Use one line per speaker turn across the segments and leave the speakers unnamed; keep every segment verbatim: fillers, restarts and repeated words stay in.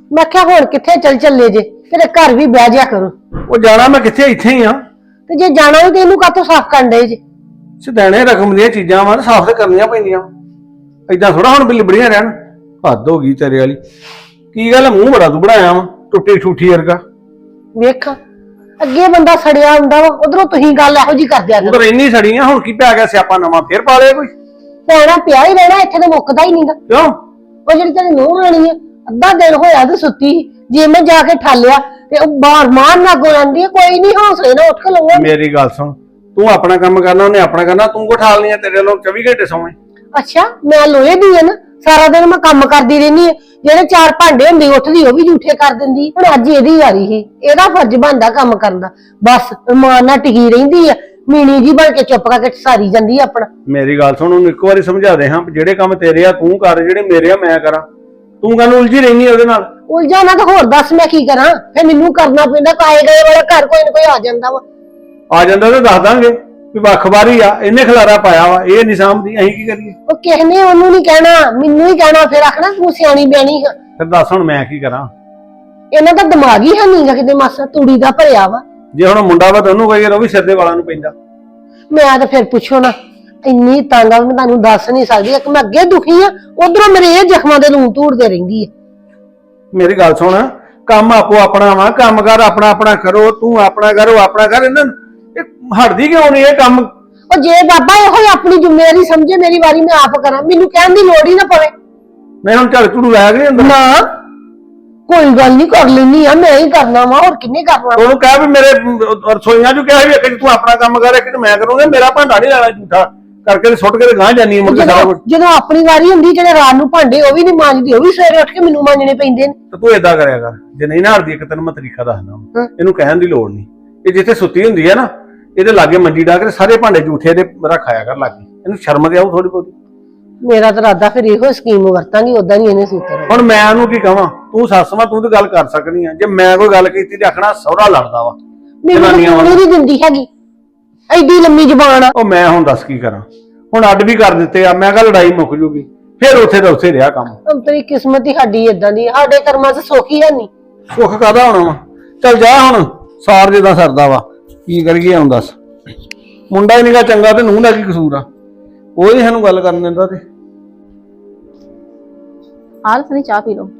मैं क्या हुण किथे चल चले जे तेरे घर भी बह जा करो।
ਉਹ ਜਾਣਾ ਮੈਂ ਕਿੱਥੇ ਇੱਥੇ ਹੀ ਆ।
ते जे जाना भी तेनू कातों साफ कर दे जे
ਸਿਧਾਣੇ ਰਕਮ ਦੀਆਂ ਚੀਜ਼ਾਂ ਵਾ ਸਾਫ਼ ਤੇ ਕਰਨੀਆਂ ਪੈਂਦੀਆਂ। ਏਦਾਂ ਥੋੜਾ ਹੁਣ ਵੀ ਲਿਬੜੀਆਂ ਰਹਿਣ। ਹੱਦ ਹੋ ਗਈ ਤੇਰੇ ਵਾਲੀ। ਕੀ ਗੱਲ ਮੂੰਹ ਬੜਾ ਤੂੰ ਬਣਾਇਆ ਵਾ ਟੁੱਟੀ ਠੂਠੀ ਵਰਗਾ।
वेख अगे बंदा सड़िया हुंदा वा उधरों तुही गल इहो जी कर दिया
ਉਧਰ ਇੰਨੀ ਸੜੀਆਂ ਹੁਣ ਕੀ ਪੈ ਗਿਆ ਸਿਆਪਾ ਨਵਾਂ ਫੇਰ ਪਾ ਲਿਆ ਕੋਈ।
पैना पिया ही रहना इत्थे ते मुक्कदा ही नहींगा।
ਕਿਉਂ
ਉਹ ਜਿਹੜੀ ਤੇਰੀ ਨੂੰਹ ਰਾਣੀ ਹੈ ਅੱਧਾ ਦਿਨ ਹੋਇਆ ਤੇ ਸੁੱਤੀ ਜੇ ਮੈਂ ਜਾ ਕੇ ਠਾਲਿਆ ਤੇ ਉਹ ਬਾਹਰ ਮਾਰ ਨਾ ਗੋ ਜਾਂਦੀ ਹੈ ਕੋਈ ਨਹੀਂ ਹੌਸਲੇ ਨਾਲ ਉੱਠ ਕੇ ਲੰਘਾ।
ਮੇਰੀ ਗੱਲ ਸੁਣ ਤੂੰ ਆਪਣਾ ਕੰਮ ਕਰਨਾ ਉਹਨੇ ਆਪਣਾ ਕਰਨਾ ਤੂੰ ਕੋ ਠਾਲ ਨਹੀਂ ਤੇਰੇ ਲੋਕ ਚੌਵੀ ਘੰਟੇ ਸੌਵੇਂ।
ਅੱਛਾ ਮੈਂ ਲੋਹੇ ਦੀ ਹੈ ਨਾ ਸਾਰਾ ਦਿਨ ਮੈਂ ਕੰਮ ਕਰਦੀ ਰਹਿੰਦੀ ਹੈ ਜਿਹੜੇ ਚਾਰ ਭਾਂਡੇ ਹੁੰਦੇ ਉੱਠਦੀ ਉਹ ਵੀ ਝੂਠੇ ਕਰ ਦਿੰਦੀ। ਹੁਣ ਅੱਜ ਇਹਦੀ ਵਾਰੀ ਸੀ ਇਹਦਾ ਫਰਜ਼ ਬਣਦਾ ਕੰਮ ਕਰਨ ਦਾ ਬਸ ਮਾਂ ਨਾਲ ਟਿਕੀ ਰਹਿੰਦੀ ਆ ਮੀਣੀ ਜੀ ਬਣ ਕੇ ਚੁੱਪ ਕਰਕੇ ਸਾਰੀ ਜਾਂਦੀ ਆਪਣਾ।
ਮੇਰੀ ਗੱਲ ਸੁਣ ਉਹਨੂੰ ਇੱਕ ਵਾਰੀ ਸਮਝਾ ਦੇ ਹਾਂ ਜਿਹੜੇ ਕੰਮ ਤੇਰੇ ਆ ਤੂੰ ਕਰ ਜਿਹੜੇ ਮੇਰੇ ਆ ਮੈਂ ਕਰਾਂ। ਤੂੰ ਕਾਹਨੂੰ ਉਲਝੀ ਰਹਿਨੀ ਉਹਦੇ ਨਾਲ।
ਉਲਝਾ ਨਾ ਤਾਂ ਹੋਰ ਦੱਸ ਮੈਂ ਕੀ ਕਰਾਂ ਫਿਰ ਮੈਨੂੰ ਕਰਨਾ ਪੈਂਦਾ ਕਾਏ ਗਏ ਵਾਲਾ ਘਰ ਕੋਈ ਨਾ ਕੋਈ ਆ ਜਾਂਦਾ ਵਾ।
ਆ ਜਾਂਦਾ ਤਾਂ ਦੱਸ ਦਾਂਗੇ ਵੀ ਵੱਖਵਾਰੀ ਆ ਇਹਨੇ ਖਲਾਰਾ ਪਾਇਆ ਵਾ ਇਹ ਨਹੀਂ ਸਾਂਭਦੀ ਅਸੀਂ ਕੀ ਕਰੀਏ।
ਉਹ ਕਿਸੇ ਨੇ ਉਹਨੂੰ ਨਹੀਂ ਕਹਿਣਾ ਮੈਨੂੰ ਹੀ ਕਹਿਣਾ ਫਿਰ ਆਖਣਾ ਤੂੰ ਸਿਆਣੀ ਬਿਆਣੀ ਹੈ।
ਫਿਰ ਦੱਸ ਹੁਣ ਮੈਂ ਕੀ ਕਰਾਂ।
ਇਹਨਾਂ ਦਾ ਦਿਮਾਗ ਹੀ ਹੈ ਨਹੀਂਗਾ ਕਿਤੇ ਮਾਸਾ ਤੂੜੀ ਦਾ ਭਰਿਆ ਵਾ।
ਜੇ ਹੁਣ ਮੁੰਡਾ ਵਾ ਤਾਂ ਉਹਨੂੰ ਕਹੀਏ ਉਹ ਵੀ ਸਿਰ ਦੇ ਵਾਲਾਂ ਨੂੰ ਪੈਂਦਾ।
ਮੈਂ ਤਾਂ ਫਿਰ ਪੁੱਛੋ ਨਾ ਇੰਨੀ ਤੰਗ ਆ ਮੈਂ ਤੁਹਾਨੂੰ ਦੱਸ ਨਹੀਂ ਸਕਦੀ ਇੱਕ ਮੈਂ ਅੱਗੇ ਦੁਖੀ ਆ ਉਧਰੋਂ ਮੇਰੇ ਇਹ ਜ਼ਖਮਾਂ ਦੇ ਲੂਣ ਧੂੜਦੇ ਰਹਿੰਦੀ ਆ।
ਮੇਰੀ ਗੱਲ ਸੁਣ ਕੰਮ ਆਪੋ ਆਪਣਾ ਵਾ ਕੰਮ ਕਰ ਆਪਣਾ ਆਪਣਾ ਕਰੋ ਤੂੰ ਆਪਣਾ ਕਰੋ ਆਪਣਾ ਕਰ ਇਹਨਾਂ ਇਹ ਹਟਦੀ ਕਿਉਂ ਨਹੀਂ ਇਹ ਕੰਮ।
ਉਹ ਜੇ ਬਾਬਾ ਇਹੋ ਹੀ ਆਪਣੀ ਜ਼ਿੰਮੇਵਾਰੀ ਸਮਝੇ ਮੇਰੀ ਵਾਰੀ ਮੈਂ ਆਪ ਕਰਾਂ ਮੈਨੂੰ ਕਹਿਣ ਦੀ ਲੋੜ ਹੀ ਨਾ ਪਵੇ।
ਨਹੀਂ ਹੁਣ ਝੜ ਝੜੂ ਲਾਇਆ ਕਿ ਅੰਦਰ
ਨਾ ਕੋਈ ਗੱਲ ਨਹੀਂ ਕਰ ਲੈਣੀ ਆ ਮੈਂ ਹੀ ਕਰਨਾ ਵਾ ਹੋਰ ਕਿੰਨੇ ਕਰਨਾ।
ਉਹਨੂੰ ਕਹਿ ਵੀ ਮੇਰੇ ਰਸੋਈਆਂ ਚ ਕਿਹਾ ਵੀ ਇੱਕ ਤੂੰ ਆਪਣਾ ਕੰਮ ਕਰ ਇੱਕ ਮੈਂ ਕਰੂੰਗਾ ਮੇਰਾ ਭਾਂਡਾ ਨਹੀਂ ਲੈਣਾ ਝੂਠਾ ਕਰਕੇ ਸੁੱਟ ਕੇ ਗਾਂ ਜਾਨੀ ਮੁੜ ਕੇ ਸਾਰਾ ਕੁਝ।
ਜਦੋਂ ਆਪਣੀ ਵਾਰੀ ਹੁੰਦੀ ਜਿਹੜੇ ਰਾਤ ਨੂੰ ਭਾਂਡੇ ਉਹ ਵੀ ਨਹੀਂ ਮਾਂਜਦੀ ਉਹ ਵੀ ਸਵੇਰੇ ਉੱਠ ਕੇ ਮੈਨੂੰ ਮਾਂਜਣੇ ਪੈਂਦੇ ਨੇ।
ਤੇ ਤੂੰ ਏਦਾਂ ਕਰਿਆ ਕਰ ਜੇ ਨਹੀਂ ਨਾ ਹਟਦੀ ਇੱਕ ਤੈਨੂੰ ਮੈਂ ਤਰੀਕਾ ਦੱਸਦਾ ਇਹਨੂੰ ਕਹਿਣ ਦੀ ਲੋੜ ਨਹੀਂ। ਇਹ ਜਿੱਥੇ ਸੁੱਤੀ ਹੁੰਦੀ ਹੈ ਨਾ ਇਹਦੇ ਲਾਗੇ ਮੰਜੀ ਡਾ ਕੇ ਸਾਰੇ ਭਾਂਡੇ ਝੂਠੇ ਦੇ ਰੱਖਾਇਆ ਕਰ ਲਾਗੇ ਇਹਨੂੰ ਸ਼ਰਮ ਤੇ ਆਉ ਥੋੜੀ ਬਹੁਤੀ।
ਮੇਰਾ ਤਾਂ ਇਰਾਦਾ ਫਿਰ ਇਹੋ ਸਕੀਮ ਵਰਤਾਂਗੀ ਉਦਾਂ ਨਹੀਂ ਇਹਨੇ ਸੂਤਰ।
ਹੁਣ ਮੈਂ ਉਹਨੂੰ ਕੀ ਕਹਾਂ ਤੂੰ ਸੱਸ ਮਾਂ ਤੂੰ ਤੇ ਗੱਲ ਕਰ ਸਕਦੀ ਆ ਜੇ ਮੈਂ ਕੋਈ ਗੱਲ ਕੀਤੀ ਤੇ ਆਖਣਾ ਸਹੁਰਾ ਲੜਦਾ ਵਾ
ਮੈਨੂੰ ਨਹੀਂ ਦਿੰਦੀ ਹੈਗੀ ਐਡੀ ਲੰਮੀ ਜ਼ਬਾਨ ਆ।
ਉਹ ਮੈਂ ਹੁਣ ਦੱਸ ਕੀ ਕਰਾਂ ਹੁਣ ਅੱਡ ਵੀ ਕਰ ਦਿੱਤੇ ਆ ਮੈਂ ਕਿਹਾ ਲੜਾਈ ਮੁੱਕ ਜੂਗੀ ਫਿਰ ਉੱਥੇ ਦਾ ਉੱਥੇ ਰਿਹਾ ਕੰਮ।
ਹੁਣ ਤੇਰੀ ਕਿਸਮਤ ਹੀ ਸਾਡੀ ਇਦਾਂ ਦੀ ਸਾਡੇ ਕਰਮਾਂ 'ਚ ਸੁੱਖ ਹੀ ਹੈ ਨਹੀਂ।
ਸੁੱਖ ਕਾਹਦਾ ਹੋਣਾ ਵਾ ਚੱਲ ਜਾ ਹੁਣ ਸਾਰ ਜਿੱਦਾਂ ਸਰਦਾ ਵਾ ਕੀ ਕਰੀਏ ਹੁਣ ਦੱਸ ਮੁੰਡਾ ਹੀ ਨੀਗਾ ਚੰਗਾ ਤੇ ਨੂੰਹ ਦਾ ਕੀ ਕਸੂਰ ਆ ਉਹ ਹੀ ਸਾਨੂੰ ਗੱਲ ਕਰਨ ਦਿੰਦਾ ਤੇ।
ਹਾਲ ਸਨੀ ਚਾਹ ਪੀ ਲਓ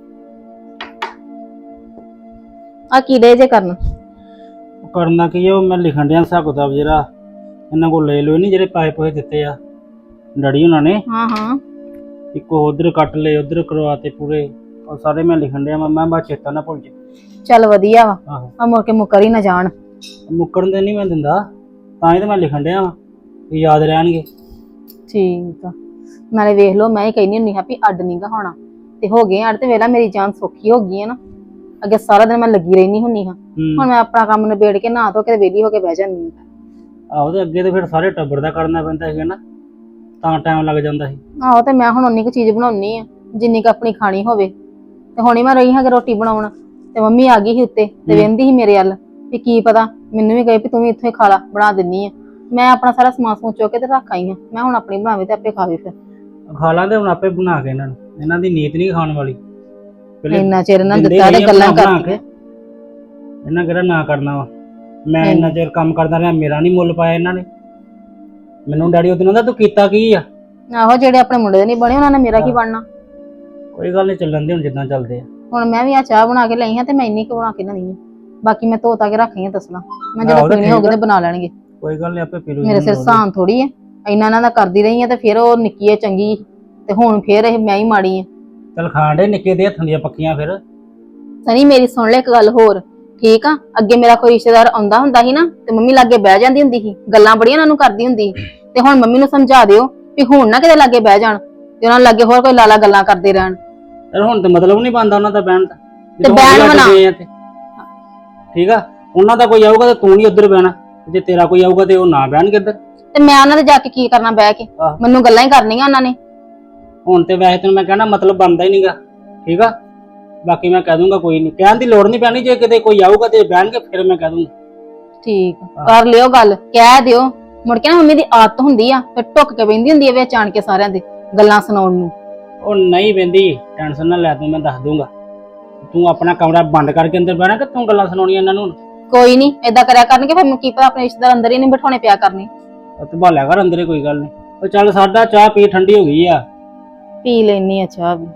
ਆ ਕੀ ਡੇ ਜੇ ਕਰਨ
ਕਰਨਾ ਕੀ ਉਹ ਮੈਂ ਲਿਖਣ ਡਿਆ ਹਿਸਾਬ ਕਿਤਾਬ ਜਿਹੜਾ ਇਹਨਾਂ ਕੋਲ ਲੈ ਲਓ ਨਹੀਂ ਜਿਹੜੇ ਪੈਸੇ ਪੋਏ ਦਿੱਤੇ ਆ ਡੈਡੀ ਉਹਨਾਂ ਨੇ।
ਹਾਂ ਹਾਂ
ਇੱਕ ਉਧਰ ਕੱਟ ਲਏ ਉਧਰ ਕਰਵਾਤੇ ਪੂਰੇ ਉਹ ਸਾਰੇ ਮੈਂ ਲਿਖਣ ਡਿਆ ਮੈਂ ਬਾ ਚੇਤਾ ਨਾ ਭੁੱਲ ਜੇ।
ਚੱਲ ਵਧੀਆ ਵਾ
ਆਹੋ
ਆ ਮੁੜ ਕੇ ਮੁੱਕਰ ਹੀ ਨਾ ਜਾਣ।
ਮੁੱਕਰਨ ਦੇ ਨਹੀਂ ਮੈਂ ਦਿੰਦਾ ਤਾਂ ਹੀ ਤਾਂ ਮੈਂ ਲਿਖਣ ਡਿਆ ਵਾ ਵੀ ਯਾਦ ਰਹਿਣਗੇ।
ਠੀਕ ਆ ਨਾਲੇ ਵੇਖ ਲਓ ਮੈਂ ਹੀ ਕਹਿੰਦੀ ਹੁੰਦੀ ਹਾਂ ਵੀ ਅੱਡ ਨਹੀਂਗਾ ਹੋਣਾ ਤੇ ਹੋ ਗਏ ਅੱਡ ਤੇ ਵੇਲਾ ਮੇਰੀ ਜਾਨ ਸੌਖੀ ਹੋ ਗਈ ਹੈ ਨਾ। ਅੱਗੇ ਸਾਰਾ ਦਿਨ ਮੈਂ ਲੱਗੀ ਰਹਿਣੀ ਹੁੰਨੀ ਹਾਂ ਹੁਣ ਮੈਂ ਆਪਣਾ ਕੰਮ ਨਿਬੇੜ ਕੇ ਨਹਾ ਧੋ ਕੇ ਵਿਹਲੀ ਹੋ ਕੇ ਬਹਿ ਜਾਂਦੀ ਹਾਂ।
ਆਹੋ ਤੇ ਅੱਗੇ ਤੇ ਫਿਰ ਸਾਰੇ ਟੱਬਰ ਦਾ ਕਰਨਾ ਪੈਂਦਾ ਸੀਗਾ ਨਾ ਤਾਂ ਟਾਈਮ ਲੱਗ ਜਾਂਦਾ ਸੀ।
ਆਹੋ ਤੇ ਮੈਂ ਹੁਣ ਉਨੀ ਕੁ ਚੀਜ਼ ਬਣਾਉਣੀ ਆ ਜਿੰਨੀ ਕੁ ਆਪਣੀ ਖਾਣੀ ਹੋਵੇ ਤੇ ਹੁਣੀ ਮੈਂ ਰਹੀ ਹਾਂ ਕਿ ਰੋਟੀ ਬਣਾਉਣ ਤੇ ਮੰਮੀ ਆ ਗਈ ਸੀ ਉੱਤੇ ਤੇ ਵਹਿੰਦੀ ਸੀ ਮੇਰੇ ਵੱਲ ਵੀ ਕੀ ਪਤਾ ਮੈਨੂੰ ਵੀ ਕਹੇ ਵੀ ਤੂੰ ਵੀ ਇੱਥੇ ਖਾ ਲਾ ਬਣਾ ਦਿੰਨੀ ਆ। ਮੈਂ ਆਪਣਾ ਸਾਰਾ ਸਮਾਨ ਸਮੂਨ ਚੁੱਕ ਕੇ ਤੇ ਰੱਖ ਆਈ ਹਾਂ ਮੈਂ ਹੁਣ ਆਪਣੀ ਬਣਾਵੇ ਤੇ ਆਪੇ ਖਾਵੇ ਫਿਰ
ਖਾ ਲਾਂਦੇ ਹੁਣ ਆਪੇ ਬਣਾ ਕੇ ਇਹਨਾਂ ਨੂੰ ਇਹਨਾਂ ਦੀ ਨੀਤ ਨਹੀਂ ਖਾਣ ਵਾਲੀ।
ਇੰਨਾ ਚਿਰ ਇਹਨਾਂ ਦਿੱਤਾ ਤੇ ਗੱਲਾਂ ਕਰਕੇ
ਇਹਨਾਂ ਕਿਹੜਾ ਨਾ ਕਰਨਾ ਵਾ ਮੈਂ ਇੰਨਾ ਚਿਰ ਕੰਮ ਕਰਦਾ ਰਿਹਾ ਮੇਰਾ ਨਹੀਂ ਮੁੱਲ ਪਾਇਆ ਇਹਨਾਂ ਨੇ ਮੈਨੂੰ ਡੈਡੀ ਉਹਦੇ ਨਾਲ ਤੂੰ ਕੀਤਾ ਕੀ ਆ।
ਆਹੋ ਜਿਹੜੇ ਆਪਣੇ ਮੁੰਡੇ ਦੇ ਨਹੀਂ ਬਣੇ ਉਹਨਾਂ ਨੇ ਮੇਰਾ ਕੀ ਬਣਨਾ।
ਕੋਈ ਗੱਲ ਨਹੀਂ ਚੱਲਣ ਦੇ ਹੁਣ ਜਿੱਦਾਂ ਚੱਲਦੇ ਆ।
ਹੁਣ ਮੈਂ ਵੀ ਆ ਚਾਹ ਬਣਾ ਕੇ ਲਈ ਹਾਂ ਤੇ ਮੈਂ ਇੰਨੀ ਕੁ ਬਣਾ ਕੇ ਨਾ ਨਹੀਂ ਬਾਕੀ ਮੈਂ ਧੋ ਤਾ ਕੇ ਰੱਖੀ ਆ ਤਸਲਾ ਮੈਂ ਜਦੋਂ ਪੀਣੀ ਹੋਊਗੀ ਤੇ ਬਣਾ ਲੈਣਗੇ।
ਕੋਈ ਗੱਲ ਨਹੀਂ ਆਪੇ ਪੀ ਲੂ
ਮੇਰੇ ਸਿਰ ਸਾਨ ਥੋੜੀ ਆ ਇੰਨਾ ਇਹਨਾਂ ਦਾ ਕਰਦੀ ਰਹੀ ਆ ਤੇ ਫਿਰ ਉਹ ਨਿੱਕੀ ਹੈ ਚੰਗੀ ਤੇ ਹੁਣ ਫਿਰ ਇਹ ਮੈਂ ਹੀ ਮਾੜੀ ਆ।
ਚੱਲ ਖਾਣ ਦੇ ਨਿੱਕੇ ਦੇ ਹੱਥਾਂ ਦੀਆਂ ਪੱਕੀਆਂ ਫਿਰ।
ਸਨੀ ਮੇਰੀ ਸੁਣ ਲੈ ਇੱਕ ਗੱਲ ਹੋਰ ਠੀਕ ਆ ਅੱਗੇ ਮੇਰਾ ਕੋਈ ਰਿਸ਼ਤੇਦਾਰ ਆਉਂਦਾ ਹੁੰਦਾ ਸੀ ਨਾ ਤੇ ਮੰਮੀ ਲਾਗੇ ਬਹਿ ਜਾਂਦੀ ਹੁੰਦੀ ਸੀ ਗੱਲਾਂ ਬੜੀਆਂ ਉਹਨਾਂ ਨੂੰ ਕਰਦੀ ਹੁੰਦੀ ਤੇ ਹੁਣ ਮੰਮੀ ਨੂੰ ਸਮਝਾ ਦਿਓ ਵੀ ਹੁਣ ਨਾ ਕਿਤੇ ਲਾਗੇ ਬਹਿ ਜਾਣ ਤੇ ਉਹਨਾਂ ਲਾਗੇ ਹੋਰ ਕੋਈ ਲਾਲਾ ਗੱਲਾਂ ਕਰਦੇ ਰਹਿਣ।
ਹੁਣ ਤਾਂ ਮਤਲਬ ਨਹੀਂ ਬਣਦਾ ਉਹਨਾਂ ਦਾ ਬਹਿਣ ਦਾ
ਤੇ ਬਹਿਣ ਬਣਾ
ਠੀਕ ਆ ਉਹਨਾਂ ਦਾ ਕੋਈ ਆਊਗਾ ਤੇ ਤੂੰ ਨਹੀਂ ਉੱਧਰ ਬਹਿਣਾ ਜੇ ਤੇਰਾ ਕੋਈ ਆਊਗਾ ਤੇ ਉਹ ਨਾ ਬਹਿਣਗੇ ਇੱਧਰ
ਤੇ ਮੈਂ ਉਹਨਾਂ ਦੇ ਜਾ ਕੇ ਕੀ ਕਰਨਾ ਬਹਿ ਕੇ ਮੈਨੂੰ ਗੱਲਾਂ ਹੀ ਕਰਨੀਆਂ ਉਹਨਾਂ ਨੇ।
ਹੁਣ ਤੇ ਵੈਸੇ ਤੈਨੂੰ ਮੈਂ ਕਹਿਣਾ ਮਤਲਬ ਬਣਦਾ ਹੀ ਨਹੀਂਗਾ ਠੀਕ ਆ ਬਾਕੀ ਮੈਂ ਕਹਿ ਦੂੰਗਾ ਕੋਈ ਨਹੀਂ ਕਹਿਣ ਦੀ ਲੋੜ ਨਹੀਂ ਪੈਣੀ ਜੇ ਕਿਤੇ ਕੋਈ ਆਊਗਾ ਤੇ ਬਹਿਣਗੇ ਫਿਰ ਮੈਂ ਕਹਿ ਦੂੰਗਾ।
ਠੀਕ ਕਰ ਲਿਓ ਗੱਲ ਕਹਿ ਦਿਓ ਮੁੜ ਕੇ ਨਾ ਮੰਮੀ ਦੀ ਆਦਤ ਹੁੰਦੀ ਆ ਫਿਰ ਟੁੱਕ ਕੇ ਬੈਂਦੀ ਹੁੰਦੀ ਆ ਵਿੱਚ ਆਣ ਕੇ ਸਾਰਿਆਂ ਦੇ ਗੱਲਾਂ ਸੁਣਾਉਣ ਨੂੰ।
ਉਹ ਨਹੀਂ ਬਹਿੰਦੀ ਟੈਨਸ਼ਨ ਨਾ ਲੈ ਤੂੰ ਮੈਂ ਦੱਸ ਦੂੰਗਾ ਤੂੰ ਆਪਣਾ ਕਮਰਾ ਬੰਦ ਕਰਕੇ ਅੰਦਰ ਬਹਿਣਾ ਕਿ ਤੂੰ ਗੱਲਾਂ ਸੁਣਾਉਣੀਆਂ ਇਹਨਾਂ ਨੂੰ?
ਕੋਈ ਨਹੀਂ ਏਦਾਂ ਕਰਿਆ ਕਰਨਗੇ ਫਿਰ ਮੈਂ ਕੀ ਪਤਾ ਆਪਣੇ ਰਿਸ਼ਤੇਦਾਰ ਅੰਦਰ ਹੀ ਨਹੀਂ ਬਿਠਾਉਣੇ ਪਿਆ ਕਰਨੀ।
ਤੇ ਭਾਲਿਆ ਕਰ ਅੰਦਰੇ, ਕੋਈ ਗੱਲ ਨਹੀਂ। ਉਹ ਚੱਲ ਸਾਡਾ ਚਾਹ ਪੀ, ਠੰਡੀ ਹੋ ਗਈ ਆ।
ਪੀ ਲੈਣੀ ਆ ਚਾਹ ਵੀ।